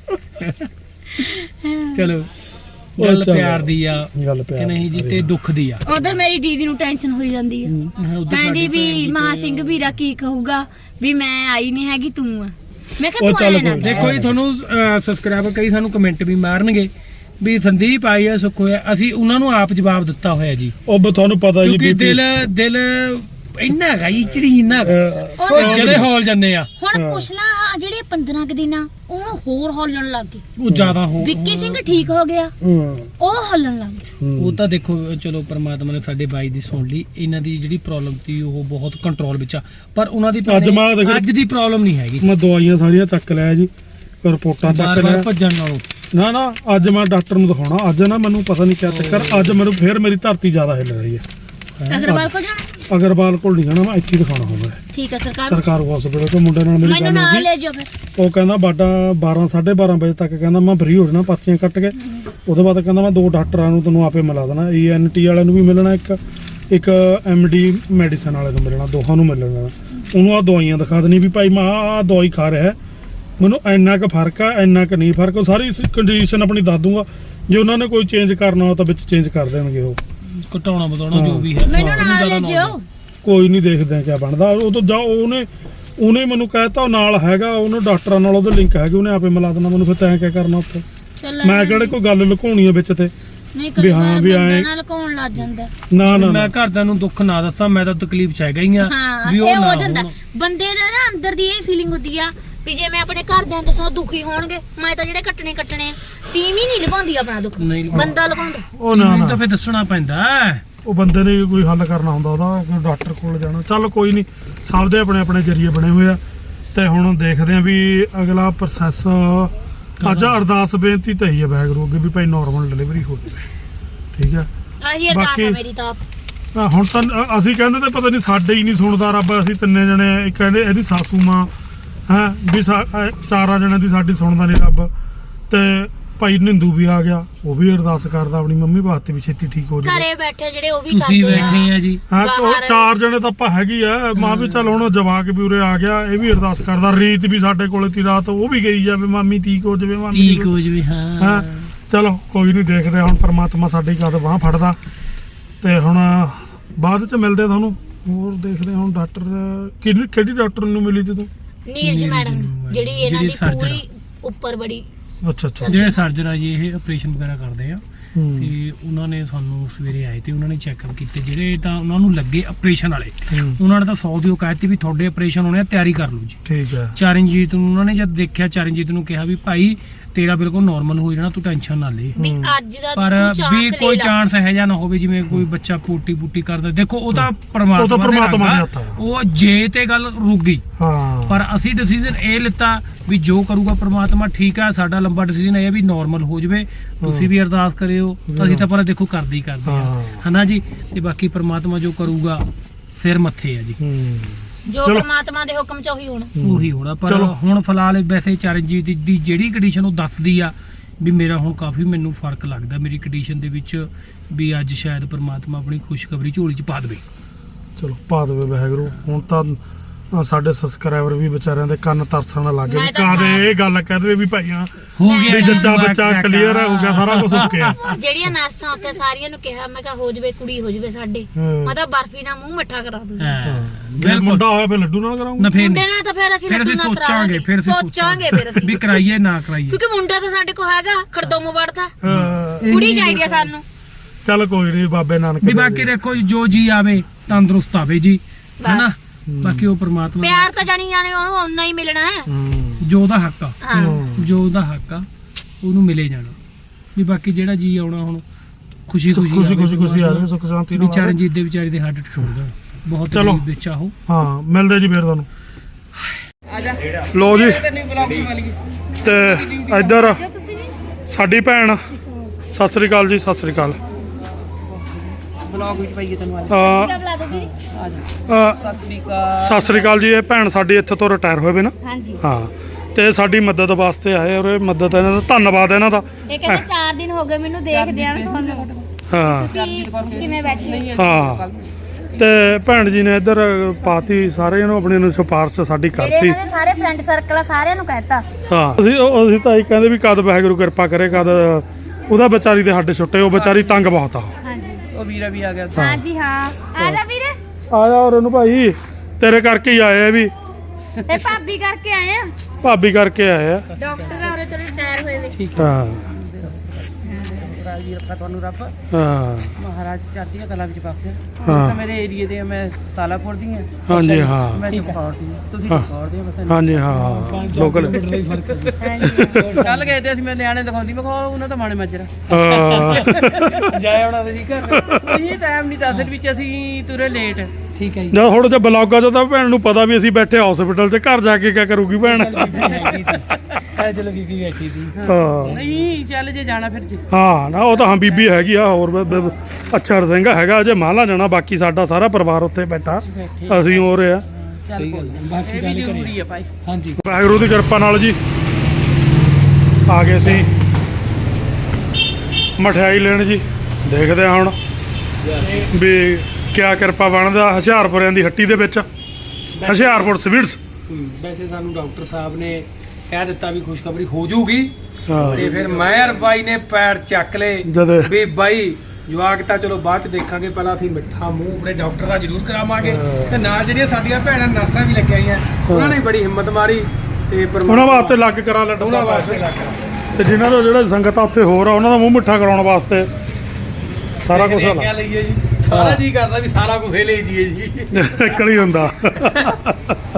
S2: ਚਲੋ ਗੱਲ
S1: ਚਲੋ।
S2: ਪਿਆਰ ਦੀ ਆ
S1: ਗੱਲ
S2: ਕਿ
S1: ਪਿਆ
S2: ਨਹੀਂ ਜੀ ਤੇ ਦੁੱਖ ਦੀ ਆ
S3: ਉਧਰ ਮੇਰੀ ਦੀਦੀ ਨੂੰ ਟੈਨਸ਼ਨ ਹੋਈ ਜਾਂਦੀ ਆ
S2: ਉੱਧਰ
S3: ਕਹਿੰਦੀ
S2: ਸਾਡੀ
S3: ਵੀ
S2: ਭੈਣ ਦੀ
S3: ਮਹਾ
S2: ਤੇ-
S3: ਸਿੰਘ ਵੀਰਾ ਕੀ ਕਹੂਗਾ ਵੀ ਮੈਂ ਆਈ ਨਹੀਂ ਹੈਗੀ ਤੂੰ ਆ ਮੈਂ ਕਿਹਾ
S1: ਉਹ
S3: ਤੂੰ
S1: ਚੱਲ
S3: ਆਇਆ ਨਾ
S1: ਕੋਈ-
S2: ਦੇਖੋ ਜੀ ਤੁਹਾਨੂੰ ਸਬਸਕ੍ਰਾਈਬਰ ਕਈ ਸਾਨੂੰ ਕਮੈਂਟ ਵੀ ਮਾਰਨਗੇ ਵੀ ਸੰਦੀਪ ਆਈ ਆ ਸੁੱਖ ਹੋਇਆ ਅਸੀਂ ਉਹਨਾਂ ਨੂੰ ਆਪ ਜਵਾਬ ਦਿੱਤਾ ਹੋਇਆ ਜੀ
S1: ਉਹ ਬ- ਤੁਹਾਨੂੰ ਪਤਾ ਜੀ
S2: ਕਿਉਂਕਿ
S1: ਬੀਬੀ-
S2: ਦਿਲ ਦਿਲ ਇੰਨਾ ਹੈਗਾ ਜੀ ਚਰੀ ਇੰਨਾ
S1: ਅਹ,
S3: ਉਹ
S2: ਜਿਹੜੇ ਹੌਲ ਜੰਨੇ ਆ
S3: ਹੁਣ
S1: ਹਾਂ।
S3: ਕੁਛ ਨਾ ਆਹ ਜਿਹੜੇ ਪੰਦਰਾਂ ਕੁ ਦਿਨ ਆ ਉਹਨੂੰ ਹੋਰ ਹੌਲਣ ਲੱਗ ਗਏ
S2: ਉਹ ਜ਼ਿਆਦਾ ਹੋ
S3: ਵਿੱਕੀ ਸਿੰਘ ਠੀਕ ਹੋ ਗਿਆ
S1: ਹੂੰ,
S3: ਉਹ ਹੌਲਣ ਲੱਗ ਗਏ
S1: ਹੂੰ।
S2: ਉਹ ਤਾਂ ਦੇਖੋ ਚਲੋ ਪ੍ਰਮਾਤਮਾ ਨੇ ਸਾਡੇ ਬਾਈ ਦੀ ਸੁਣ ਲਈ ਇਹਨਾਂ ਦੀ ਜਿਹੜੀ ਪ੍ਰੋਬਲਮ ਸੀ ਉਹ ਬਹੁਤ ਕੰਟਰੋਲ ਵਿੱਚ ਆ ਪਰ ਉਹਨਾਂ ਦੀ
S1: ਅੱਜ ਮੈਂ ਦੇਖੋ-
S2: ਅੱਜ ਦੀ ਪ੍ਰੋਬਲਮ ਨਹੀਂ ਹੈਗੀ
S1: ਮੈਂ ਦਵਾਈਆਂ ਸਾਰੀਆਂ ਚੱਕ ਲਿਆ ਜੀ ਰਿਪੋਰਟਾਂ ਚੱਕ
S2: ਬਾਰ-ਬਾਰ
S1: ਲਿਆ
S2: ਭੱਜਣ ਨਾਲੋਂ
S1: ਨਾ ਨਾ ਅੱਜ ਮੈਂ ਡਾਕਟਰ ਨੂੰ ਦਿਖਾਉਣਾ ਅੱਜ ਨਾ ਮੈਨੂੰ ਪਤਾ ਨਹੀਂ ਕਿਆ ਚੱਕਰ ਅੱਜ ਮੈਨੂੰ ਫੇਰ ਮੇਰੀ ਧਰਤੀ ਜ਼ਿਆਦਾ ਹਿੱਲ ਰਹੀ ਹੈ
S3: ਅਗਰਵਾਲ ਕੋਲ ਜਾਣਾ
S1: ਅਗਰਵਾਲ ਕੋਲ ਨਹੀਂ ਜਾਣਾ ਮੈਂ ਇੱਥੇ ਹੀ ਦਿਖਾਉਣਾ ਹੋਵੇ
S3: ਠੀਕ ਹੈ ਸਰਕਾਰ
S1: ਸਰਕਾਰ ਹਸਪੀਟਲ ਤੋਂ ਮੁੰਡੇ ਨਾਲ ਮੇਰੀ
S3: ਮੈਨੂੰ
S1: ਗੱਲ
S3: ਨਾਲ
S1: ਹੋਈ
S3: ਲੈ ਜਾਓ ਫਿਰ
S1: ਉਹ ਕਹਿੰਦਾ ਬਾਡਾ ਬਾਰਾਂ ਸਾਢੇ ਬਾਰਾਂ ਵਜੇ ਤੱਕ ਕਹਿੰਦਾ ਮੈਂ ਫ੍ਰੀ ਹੋ ਜਾਣਾ ਪਰਚੀਆਂ ਕੱਟ ਕੇ ਉਹਦੇ ਬਾਅਦ ਕਹਿੰਦਾ ਮੈਂ ਦੋ ਡਾਕਟਰਾਂ ਨੂੰ ਤੈਨੂੰ ਆਪੇ ਮਿਲਾ ਦੇਣਾ ਈ ਐਨ ਟੀ ਵਾਲੇ ਨੂੰ ਵੀ ਮਿਲਣਾ ਇੱਕ ਇੱਕ ਐਮ ਡੀ ਮੈਡੀਸਨ ਵਾਲੇ ਨੂੰ ਮਿਲਣਾ ਦੋਹਾਂ ਨੂੰ ਮਿਲਣਾ ਉਹਨੂੰ ਆ ਦਵਾਈਆਂ ਦਿਖਾ ਦੇਣੀ ਵੀ ਭਾਈ ਮੈਂ ਆਹ ਦਵਾਈ ਖਾ ਰਿਹਾ ਮੈਨੂੰ ਇੰਨਾ ਕੁ ਫਰਕ ਆ ਇੰਨਾ ਕੁ ਨਹੀਂ ਫਰਕ ਉਹ ਸਾਰੀ ਕੰਡੀਸ਼ਨ ਆਪਣੀ ਦੱਸ ਦੂੰਗਾ ਜੇ ਉਹਨਾਂ ਨੇ ਕੋਈ ਚੇਂਜ ਕਰਨਾ ਹੋ ਤਾਂ ਵਿੱਚ ਚੇਂਜ ਕਰ ਦੇਣਗੇ ਉਹ
S2: ਘਟਾਉਣਾ ਵਧਾਉਣਾ ਜੋ ਵੀ ਹੈ
S3: ਮੈਨੂੰ
S2: ਉਹਨੂੰ
S3: ਨਾਲ
S2: ਜ਼ਿਆਦਾ
S3: ਲੈ
S2: knowledge
S3: ਜਾਓ
S1: ਕੋਈ ਨਹੀਂ ਦੇਖਦੇ ਆ ਕਿਆ ਬਣਦਾ ਉਹ ਤਾਂ ਜਾ ਉਹਨੇ ਉਹਨੇ ਮੈਨੂੰ ਕਹਿਤਾ ਉਹ ਨਾਲ ਹੈਗਾ ਉਹਨੂੰ ਡਾਕਟਰਾਂ ਨਾਲ ਉਹਦੇ ਲਿੰਕ ਹੈਗੇ ਉਹਨੇ ਆਪੇ ਮਿਲਾ ਦੇਣਾ ਮੈਨੂੰ ਫਿਰ ਤੈਂ ਕਿਆ ਕਰਨਾ ਉੱਥੇ
S3: ਚੱਲ
S1: ਮੈਂ ਕਿਹੜੇ ਕੋਈ ਗੱਲ ਲੁਕਾਉਣੀ ਆ ਵਿੱਚ ਤੇ
S3: ਨਹੀਂ
S1: ਵੀ
S3: ਕਈ
S1: ਹਾਂ
S3: ਵਾਰ
S1: ਵੀ
S3: ਬੰਦੇ
S1: ਐਂ-
S3: ਨਾਲ ਕੌਣ ਲੱਗ ਜਾਂਦਾ
S1: ਨਾ ਨਾ
S2: ਮੈਂ
S1: ਨਾ
S2: ਘਰਦਿਆਂ ਨੂੰ ਦੁੱਖ ਨਾ ਦੱਸਾਂ ਮੈਂ ਤਾਂ ਤਕਲੀਫ ਚ ਹੈਗਾ ਹੀ ਆ
S3: ਹਾਂ
S2: ਵੀ
S3: ਇਹ
S2: ਉਹ ਨਾ
S3: ਹੋ ਜਾਂਦਾ
S2: ਹੋਣ।
S3: ਬੰਦੇ ਦਾ ਨਾ ਅੰਦਰ ਦੀ ਇਹ ਫੀਲਿੰਗ ਹੁੰਦੀ ਆ ਵੀ ਜੇ ਮੈਂ ਆਪਣੇ ਘਰਦਿਆਂ ਦੇ ਸਾਥ ਦੁਖੀ ਹੋਣਗੇ ਮੈਂ ਤਾਂ ਜਿਹੜੇ ਕੱਟਣੇ ਕੱਟਣੇ ਆ ਟੀਮ ਹੀ ਨਹੀਂ ਲਵਾਉਂਦੀ ਆਪਣਾ ਦੁੱਖ
S2: ਨਹੀਂ
S3: ਬੰਦਾ ਲਵਾਉਂਦਾ
S1: ਉਹ ਨਾ
S2: ਮੈਨੂੰ ਤਾਂ
S1: ਨਾ
S2: ਫਿਰ ਦੱਸਣਾ ਪੈਂਦਾ ਹੈ।
S1: ਉਹ ਬੰਦੇ ਨੇ ਕੋਈ ਹੱਲ ਕਰਨਾ ਹੁੰਦਾ ਉਹਦਾ ਕੋਈ ਡਾਕਟਰ ਕੋਲ ਜਾਣਾ ਚੱਲ ਕੋਈ ਨਹੀਂ ਸਭ ਦੇ ਆਪਣੇ ਆਪਣੇ ਜਰੀਏ ਬਣੇ ਹੋਏ ਆ ਤੇ ਹੁਣ ਦੇਖਦੇ ਆ ਵੀ ਅਗਲਾ ਪ੍ਰੋਸੈਸ ਅੱਜ ਅਰਦਾਸ ਬੇਨਤੀ ਤਾਂ ਹੀ ਹੈ ਵਾਹਿਗੁਰੂ ਅੱਗੇ ਵੀ ਭਾਈ ਨਾਰਮਲ ਡਿਲੀਵਰੀ ਹੋ ਜਾਵੇ ਠੀਕ ਹੈ
S3: ਆਹੀ ਅਰਦਾਸ ਆ
S1: ਬਾਕੀ-
S3: ਮੇਰੀ ਤਾਂ ਆਪ।
S1: ਆ ਹੁਣ ਤਾਂ ਅ- ਅਸੀਂ ਕਹਿੰਦੇ ਤੇ ਪਤਾ ਨਹੀਂ ਸਾਡੇ ਹੀ ਨਹੀਂ ਸੁਣਦਾ ਰੱਬ ਅਸੀਂ ਤਿੰਨੇ ਜਣੇ ਇੱਕ ਕਹਿੰਦੇ ਇਹਦੀ ਸਾਸੂ ਮਾਂ ਹੈ ਵੀ ਸਾ- ਅ, ਚਾਰਾਂ ਜਣਿਆਂ ਦੀ ਸਾਡੀ ਸੁਣਦਾ ਨਹੀਂ ਰੱਬ ਤੇ ਭਾਈ ਨਿੰਦੂ ਵੀ ਆ ਗਿਆ ਉਹ ਵੀ ਅਰਦਾਸ ਕਰਦਾ ਆਪਣੀ ਮੰਮੀ ਵਾਸਤੇ ਵੀ ਛੇਤੀ ਠੀਕ ਹੋ ਜਾਵੇ
S3: ਘਰੇ ਬੈਠੇ ਜਿਹੜੇ ਉਹ ਵੀ
S2: ਤੁਸੀਂ
S3: ਕਰਦੇ ਆ
S2: ਬੈਠੇ ਆ ਜੀ
S1: ਹਾਂ ਤੇ ਉਹ
S3: ਬਾਹਰ-
S1: ਚਾਰ ਜਣੇ ਤਾਂ ਆਪਾਂ ਹੈਗੀ ਆ ਮਾਂ ਵੀ ਚੱਲ ਹੁਣ ਜਵਾਕ ਵੀ ਉਰੇ ਆ ਗਿਆ ਇਹ ਵੀ ਅਰਦਾਸ ਕਰਦਾ ਰੀਤ ਵੀ ਸਾਡੇ ਕੋਲੇ ਤੀ ਰਾਤ ਉਹ ਵੀ ਗਈ ਜਾਵੇ ਮਾਮੀ ਠੀਕ ਹੋ ਜਾਵੇ ਮਾਮੀ
S2: ਠੀਕ ਹੋ ਜਵੇ ਹਾਂ
S1: ਹਾਂ ਚਲੋ ਕੋਈ ਨਹੀਂ ਦੇਖਦੇ ਹੁਣ ਪਰਮਾਤਮਾ ਸਾਡੀ ਕਦ ਬਾਹ ਫੜਦਾ ਤੇ ਹੁਣ ਬਾਅਦ ਚ ਮਿਲਦੇ ਤੁਹਾਨੂੰ ਹੋਰ ਦੇਖਦੇ ਹੁਣ ਡਾਕਟਰ ਕਿਹੜੀ ਕਿਹੜੀ ਡਾਕਟਰ ਨੂੰ ਮਿਲੀ ਤੀ ਤੂੰ
S3: ਨੀਰਜ
S2: ਨੀਰਜ
S3: ਮੈਡਮ
S2: ਮੈਡਮ,
S3: ਜਿਹੜੀ ਇਹਨਾਂ
S2: ਜਿਹੜੀ
S3: ਦੀ
S2: ਸਰਜਨ
S3: ਪੂਰੀ ਉੱਪਰ ਬੜੀ
S1: ਅੱਛਾ ਅੱਛਾ
S2: ਜਿਹੜੇ ਸਰਜਨ ਆ ਜੀ ਇਹ ਆਪਰੇਸ਼ਨ ਵਗੈਰਾ ਕਰਦੇ ਆ
S1: ਹੂੰ,
S2: ਤੇ ਉਹਨਾਂ ਨੇ ਸਾਨੂੰ ਸਵੇਰੇ ਆਏ ਤੇ ਉਹਨਾਂ ਨੇ ਚੈੱਕਅਪ ਕੀਤੇ ਜਿਹੜੇ ਤਾਂ ਉਹਨਾਂ ਨੂੰ ਲੱਗੇ ਆਪਰੇਸ਼ਨ ਵਾਲੇ
S1: ਹੂੰ,
S2: ਉਹਨਾਂ ਨੇ ਤਾਂ ਸੌ ਦੀ ਉਹ ਕਹਿਤੀ ਵੀ ਤੁਹਾਡੇ ਆਪਰੇਸ਼ਨ ਹੋਣੇ ਆ ਤਿਆਰੀ ਕਰ ਲਓ ਜੀ
S1: ਠੀਕ ਹੈ
S2: ਚਰਨਜੀਤ ਨੂੰ ਉਹਨਾਂ ਨੇ ਜਦ ਦੇਖਿਆ ਚਰਨਜੀਤ ਨੂੰ ਕਿਹਾ ਵੀ ਭਾਈ ਤੇਰਾ ਬਿਲਕੁਲ ਨਾਰਮਲ ਹੋ ਜਾਣਾ ਤੂੰ ਟੈਨਸ਼ਨ ਨਾ ਲੈ
S3: ਵੀ
S1: ਹੂੰ।
S3: ਅੱਜ ਦਾ
S2: ਪਰ
S3: ਵੀ ਤੂੰ
S2: ਵੀ
S3: ਚਾਂਸ
S2: ਕੋਈ
S3: ਲੈ ਲਾ
S2: ਚਾਂਸ ਇਹੋ ਜਿਹਾ ਨਾ ਹੋਵੇ ਜਿਵੇਂ ਕੋਈ ਬੱਚਾ ਪੂਟੀ ਪੂਟੀ ਕਰਦਾ ਦੇਖੋ ਉਹ ਤਾਂ ਪਰਮਾਤਮਾ
S1: ਉਹ ਤਾਂ
S2: ਦੇ
S1: ਪਰਮਾਤਮਾ
S2: ਰੰਗ ਆ।
S1: ਦੇ ਹੱਥ ਆ।
S2: ਉਹ ਜੇ ਤੇ ਗੱਲ ਰੁਕ ਗਈ
S1: ਹਾਂ
S2: ਪਰ ਅਸੀਂ ਡਿਸੀਜਨ ਇਹ ਲਿੱਤਾ ਵੀ ਜੋ ਕਰੂਗਾ ਪ੍ਰਮਾਤਮਾ ਠੀਕ ਆ ਸਾਡਾ ਲੰਬਾ ਡਿਸੀਜਨ ਇਹ ਆ ਵੀ ਨਾਰਮਲ ਹੋ ਜਾਵੇ ਤੁਸੀਂ ਵੀ ਅਰਦਾਸ ਕਰਿਓ ਅਸੀਂ ਤਾਂ ਪਰ ਦੇਖੋ ਕਰਦੇ ਹੀ ਕਰਦੇ ਆ
S1: ਹਾਂ
S2: ਹਨਾ ਜੀ ਤੇ ਬਾਕੀ ਪ੍ਰਮਾਤਮਾ ਜੋ ਕਰੂਗਾ ਸਿਰ ਮੱਥੇ ਆ ਜੀ
S1: ਹੂੰ
S3: ਜੋ
S1: ਚਲੋ।
S3: ਪਰਮਾਤਮਾ ਦੇ ਹੁਕਮ ਚ ਉਹੀ ਹੋਣਾ
S1: ਹੂੰ।
S2: ਉਹੀ ਹੋਣਾ ਪਰ
S1: ਚਲੋ।
S2: ਹੁਣ ਫਿਲਹਾਲ ਵੈਸੇ ਚਰਨਜੀਤ ਦੀ- ਦੀ ਜਿਹੜੀ ਕੰਡੀਸ਼ਨ ਉਹ ਦੱਸਦੀ ਆ ਵੀ ਮੇਰਾ ਹੁਣ ਕਾਫੀ ਮੈਨੂੰ ਫਰਕ ਲੱਗਦਾ ਮੇਰੀ ਕੰਡੀਸ਼ਨ ਦੇ ਵਿੱਚ ਵੀ ਅੱਜ ਸ਼ਾਇਦ ਪ੍ਰਮਾਤਮਾ ਆਪਣੀ ਖੁਸ਼ਖਬਰੀ ਝੋਲੀ 'ਚ ਪਾ ਦੇਵੇ
S1: ਚਲੋ ਪਾ ਦੇਵੇ ਵਾਹਿਗੁਰੂ ਹੁਣ ਤਾਂ ਅ, ਸਾਡੇ ਸਬਸਕ੍ਰਾਈਬਰ ਵੀ ਵਿਚਾਰਿਆਂ ਦੇ ਕੰਨ ਤਰਸਣ ਲੱਗ ਗਏ ਵੀ
S3: ਮੈਂ ਤਾਂ
S1: ਕਾਦੇ ਇਹ ਗੱਲ ਕਹਿ ਦੇਵੇ ਵੀ ਭਾਈਆਂ
S2: ਹੋ
S3: ਮੈਂ
S2: ਗਿਆ
S1: ਵੀ
S3: ਤਾਂ-
S1: ਜੱਚਾ ਬੱਚਾ ਕਲੀਅਰ ਹੋ ਗਿਆ ਸਾਰਾ ਕੁਝ ਹੋ ਗਿਆ
S3: ਜਿਹੜੀਆਂ ਨਰਸਾਂ ਉੱਥੇ ਸਾਰੀਆਂ ਨੂੰ ਕਿਹਾ ਮੈਂ ਕਿਹਾ ਹੋ ਜਵੇ ਕੁੜੀ ਹੋ ਜਵੇ ਸਾਡੇ
S1: ਹਾਂ।
S3: ਮੈਂ ਤਾਂ ਬਰਫੀ ਨਾਲ ਮੂੰਹ ਮਿੱਠਾ ਕਰਾ ਦੂੰ
S2: ਹਾਂ
S1: ਜੇ ਮੁੰਡਾ ਹੋਇਆ ਫਿਰ ਲੱਡੂ ਨਾਲ ਕਰਾਉਂਗਾ
S2: ਨਾ ਫੇਰ
S3: ਮੁੰਡੇ
S2: ਨਹੀਂ
S3: ਨਾਲ ਤਾਂ ਫਿਰ ਅਸੀਂ
S2: ਫਿਰ
S3: ਲੱਡੂ
S2: ਅਸੀਂ
S3: ਨਾ
S2: ਸੋਚਾਂਗੇ
S3: ਕਰਾਂਗੇ
S2: ਫਿਰ ਅਸੀਂ
S3: ਸੋਚਾਂਗੇ ਫਿਰ ਅਸੀਂ
S2: ਵੀ ਕਰਾਈਏ ਨਾ ਕਰਾਈਏ
S3: ਕਿਉਂਕਿ ਮੁੰਡਾ ਤਾਂ ਸਾਡੇ ਕੋਲ ਹੈਗਾ ਖੜਦੋਮੋ ਵੜਦਾ
S1: ਹਾਂ।
S3: ਕੁੜੀ ਚਾਹੀਦੀ ਆ ਸਾਨੂੰ
S1: ਚੱਲ ਕੋਈ ਨਹੀਂ ਬਾਬੇ ਨਾਨਕ
S2: ਵੀ
S1: ਦੇ
S2: ਬਾਕੀ
S1: ਦੇ।
S2: ਦੇਖੋ ਜੀ, ਜੋ ਜੀ ਆਵੇ ਤੰਦਰੁਸਤ ਆਵੇ ਜੀ
S3: ਬਸ।
S2: ਹੈਨਾ
S1: ਹੂੰ।
S2: ਬਾਕੀ ਉਹ ਪ੍ਰਮਾਤਮਾ
S3: ਪਿਆਰ ਤਾਂ ਜਾਣੀ ਜਾਣੇ ਉਹਨੂੰ ਓਨਾ ਹੀ ਮਿਲਣਾ ਹੈ
S1: ਹੂੰ।
S2: ਜੋ ਉਹਦਾ ਹੱਕ ਆ
S3: ਹਾਂ
S1: ਹੂੰ।
S2: ਜੋ ਉਹਦਾ ਹੱਕ ਆ ਉਹਨੂੰ ਮਿਲੇ ਜਾਣਾ ਵੀ ਬਾਕੀ ਜਿਹੜਾ ਜੀ ਆਉਣਾ ਹੁਣ ਖੁਸ਼ੀ
S1: ਖੁਸ਼ੀ
S2: ਖੁਸ਼ੀ
S1: ਖੁਸ਼ੀ ਖੁਸ਼ੀ ਆ ਜਾਵੇ ਸੁੱਖ ਸ਼ਾਂਤੀ ਨਾਲ
S2: ਵਿਚਾਰੇ ਜੀਤ ਦੇ ਵਿਚਾਰੇ ਦੇ ਹੱਡ ਛੋੜ ਦੋ ਬਹੁਤ
S1: ਚਲੋ।
S2: ਗਰੀਬ ਵਿੱਚ ਆ ਉਹ
S1: ਹਾਂ ਮਿਲਦੇ ਜੀ ਫੇਰ ਤੁਹਾਨੂੰ ਲੋ ਜੀ ਤੇ ਇੱਧਰ ਸਾਡੀ ਭੈਣ ਸਤਿ ਸ੍ਰੀ ਅਕਾਲ ਜੀ, ਸਤਿ ਸ੍ਰੀ ਅਕਾਲ।
S5: ਬਲੌਗ ਵਿੱਚ ਪਾਈਏ ਤੈਨੂੰ ਅੱਜ
S1: ਅਹ,
S3: ਬੁਲਾ ਦੋ ਜੀ।
S1: ਅਹ,
S5: ਸਤਿ ਸ੍ਰੀ ਅਕਾਲ।
S1: ਸਤਿ ਸ੍ਰੀ ਅਕਾਲ ਜੀ। ਇਹ ਭੈਣ ਸਾਡੀ ਇੱਥੇ ਤੋਂ ਰਿਟਾਇਰ ਹੋਏ ਵੇ ਨਾ।
S3: ਹਾਂਜੀ
S1: ਹਾਂ, ਤੇ ਸਾਡੀ ਮਦਦ ਵਾਸਤੇ ਆਏ ਔਰ ਇਹ ਮਦਦ ਇਹਨਾਂ ਦਾ ਧੰਨਵਾਦ ਇਹਨਾਂ ਦਾ।
S3: ਇਹ ਕਹਿੰਦੇ ਚਾਰ ਦਿਨ ਹੋ ਗਏ ਮੈਨੂੰ ਦੇਖਦੇ ਆ ਤੁਹਾਨੂੰ।
S1: ਹਾਂ
S3: ਤੁਸੀਂ ਕਿਵੇਂ ਬੈਠੇ?
S1: ਹਾਂ, ਤੇ ਭੈਣ ਜੀ ਨੇ ਇੱਧਰ ਪਾਤੀ ਸਾਰਿਆਂ ਨੂੰ ਆਪਣੀ ਨੂੰ ਸਿਫਾਰਿਸ਼ ਸਾਡੀ
S3: ਜਿਹੜੇ
S1: ਕਰਤੀ।
S3: ਇਹਨਾਂ ਦੇ ਸਾਰੇ ਫਰੈਂਡ ਸਰਕਲ ਆ ਸਾਰਿਆਂ ਨੂੰ ਕਹਿਤਾ।
S1: ਹਾਂ, ਅਸੀਂ ਉਹ- ਅਸੀਂ ਤਾਂ ਇਹ ਕਹਿੰਦੇ ਵੀ ਕਦ ਵਾਹਿਗੁਰੂ ਕਿਰਪਾ ਕਰੇ, ਕਦ ਉਹਦਾ ਵਿਚਾਰੀ ਦੇ ਹੱਡ ਛੁੱਟੇ। ਉਹ ਵਿਚਾਰੀ ਤੰਗ ਬਹੁਤ ਆ।
S3: ਹਾਂਜੀ
S5: ਉਹ ਵੀਰਾ ਵੀ ਆ ਗਿਆ।
S3: ਹਾਂਜੀ ਹਾਂ, ਆ ਜਾ ਵੀਰੇ।
S1: ਆ ਜਾ ਔਰ ਉਹਨੂੰ ਭਾਈ ਤੇਰੇ ਕਰਕੇ ਹੀ ਆਏ ਆ ਵੀ,
S3: ਤੇ ਭਾਬੀ ਕਰਕੇ ਆਏ ਆ।
S1: ਭਾਬੀ ਕਰਕੇ ਆਏ ਆ।
S3: ਡਾਕਟਰ ਆ ਉਰੇ ਤੋਂ ਰਿਟਾਇਰ ਹੋਏ ਵੇ।
S1: ਹਾਂ
S5: ਰਾਜੀ ਰੱਖਾ ਤੁਹਾਨੂੰ ਰੱਬ
S1: ਹਾਂ
S5: ਮਹਾਰਾਜ ਚੜ੍ਹਦੀਆਂ ਕਲਾ ਵਿੱਚ ਬਖਸ਼ੇ।
S1: ਹਾਂ।
S5: ਤਾਂ ਮੇਰੇ ਏਰੀਏ ਦੇ ਮੈਂ ਤਾਲਾਪੁਰ ਦੀ ਹਾਂ।
S1: ਹਾਂਜੀ ਹਾਂ
S5: ਮੈਂ ਚਮਕੌਰ ਦੀ ਹਾਂ। ਤੁਸੀਂ
S1: ਹਾਂ।
S5: ਚਮਕੌਰ ਦੇ ਹੋ ਬਸ।
S1: ਹਾਂਜੀ ਹਾਂ ਲੋਕਲ
S3: ਹਾਂਜੀ
S5: ਕੱਲ ਗਏ ਤੇ ਅਸੀਂ ਮੈਂ ਨਿਆਣੇ ਦਿਖਾਉਂਦੀ ਮੈਂ ਕਿਹਾ ਉਹਨਾਂ ਦਾ ਮਾਣੇ ਮਾਜਰਾ
S1: ਹਾਂ
S5: ਜਾਏ ਆਉਣਾ ਤੁਸੀਂ ਘਰ ਇਹ ਟਾਈਮ ਨਹੀਂ ਦੱਸ ਵਿੱਚ ਅਸੀਂ ਤੁਰੇ ਲੇਟ। ਠੀਕ ਹੈ ਜੀ।
S1: ਜਦ ਥੋੜਾ ਜਿਹਾ ਬਲੌਗਾਂ 'ਚ ਤਾਂ ਭੈਣ ਨੂੰ ਪਤਾ ਵੀ ਅਸੀਂ ਬੈਠੇ ਹਸਪੀਟਲ 'ਚ, ਘਰ ਜਾ ਕੇ ਕਿਆ ਕਰੂਗੀ ਭੈਣ।
S5: ਚਲੋ ਬੀਬੀ ਬੈਠੀ ਸੀ।
S1: ਹਾਂ
S5: ਨਹੀਂ ਚੱਲ ਜੇ ਜਾਣਾ ਫਿਰ ਜੀ।
S1: ਹਾਂ ਨਾ ਉਹ ਤਾਂ ਹਾਂ ਬੀਬੀ ਹੈਗੀ ਆ, ਹੋਰ ਬ- ਬ- ਅੱਛਾ ਸਿੰਘ ਹੈਗਾ ਅਜੇ ਮਾਲਾ ਜਾਣਾ, ਬਾਕੀ ਸਾਡਾ ਸਾਰਾ ਪਰਿਵਾਰ ਉੱਥੇ ਬੈਠਾ, ਅਸੀਂ ਹੋ ਰਹੇ ਆ।
S5: ਚੱਲ ਕੋਈ ਨੀ। ਇਹ ਵੀ ਜ਼ਰੂਰੀ ਹੈ ਭਾਈ। ਹਾਂਜੀ।
S1: ਵਾਹਿਗੁਰੂ ਦੀ ਕਿਰਪਾ ਨਾਲ ਜੀ ਆ ਗਏ ਸੀ ਮਠਿਆਈ ਲੈਣ ਜੀ। ਦੇਖਦੇ ਹਾਂ ਹੁਣ ਵੀ ਕਿਆ ਕਿਰਪਾ ਬਣਦਾ ਹੁਸ਼ਿਆਰਪੁਰਿਆਂ ਦੀ ਹੱਟੀ ਦੇ ਵਿੱਚ। ਹੁਸ਼ਿਆਰਪੁਰ ਸਵੀਟਸ।
S5: ਵੈਸੇ ਸਾਨੂੰ ਡਾਕਟਰ ਸਾਹਿਬ ਨੇ ਕਹਿ ਦਿੱਤਾ ਵੀ ਖੁਸ਼ਖਬਰੀ ਹੋ ਜਾਊਗੀ
S1: ਹਾਂ
S5: ਤੇ ਫਿਰ ਮਾਇਰ ਬਾਈ ਨੇ ਪੈਰ ਚੱਕ ਲਏ
S1: ਜਦ
S5: ਵੀ ਬਾਈ ਜਵਾਕ ਤਾਂ ਚਲੋ ਬਾਅਦ ਚ ਦੇਖਾਂਗੇ, ਪਹਿਲਾਂ ਅਸੀਂ ਮਿੱਠਾ ਮੂੰਹ ਆਪਣੇ ਡਾਕਟਰ ਦਾ ਜ਼ਰੂਰ ਕਰਾਵਾਂਗੇ।
S1: ਹਾਂ।
S5: ਤੇ ਨਾਲ ਜਿਹੜੀਆਂ ਸਾਡੀਆਂ ਭੈਣਾਂ ਨਰਸਾਂ ਵੀ ਲੱਗੀਆਂ ਹੋਈਆਂ ਉਹਨਾਂ ਨੇ ਬੜੀ ਹਿੰਮਤ ਮਾਰੀ ਤੇ ਪਰਮਾਤਮਾ
S1: ਉਹਨਾਂ ਵਾਸਤੇ ਲੱਗ ਕਰਾ ਲੱਡੂ
S5: ਉਹਨਾਂ ਵਾਸਤੇ ਲੱਗ
S1: ਤੇ ਜਿਨ੍ਹਾਂ ਦਾ ਜਿਹੜਾ ਸੰਗਤ ਆ ਉੱਥੇ ਹੋਰ ਆ ਉਹਨਾਂ ਦਾ ਮੂੰਹ ਮਿੱਠਾ ਕਰਾਉਣ ਵਾਸਤੇ ਸਾਰਾ ਕੁਝ
S5: ਕਿਆ
S1: ਹਲਾ
S5: ਲਈਏ ਜੀ। ਸਾਰਾ ਜੀ ਕਰਦਾ ਵੀ ਸਾਰਾ ਕੁਝ ਹੀ ਲਈ ਜੀਏ ਜੀ।
S1: ਨਿਕਲ ਹੀ ਹੁੰਦਾ।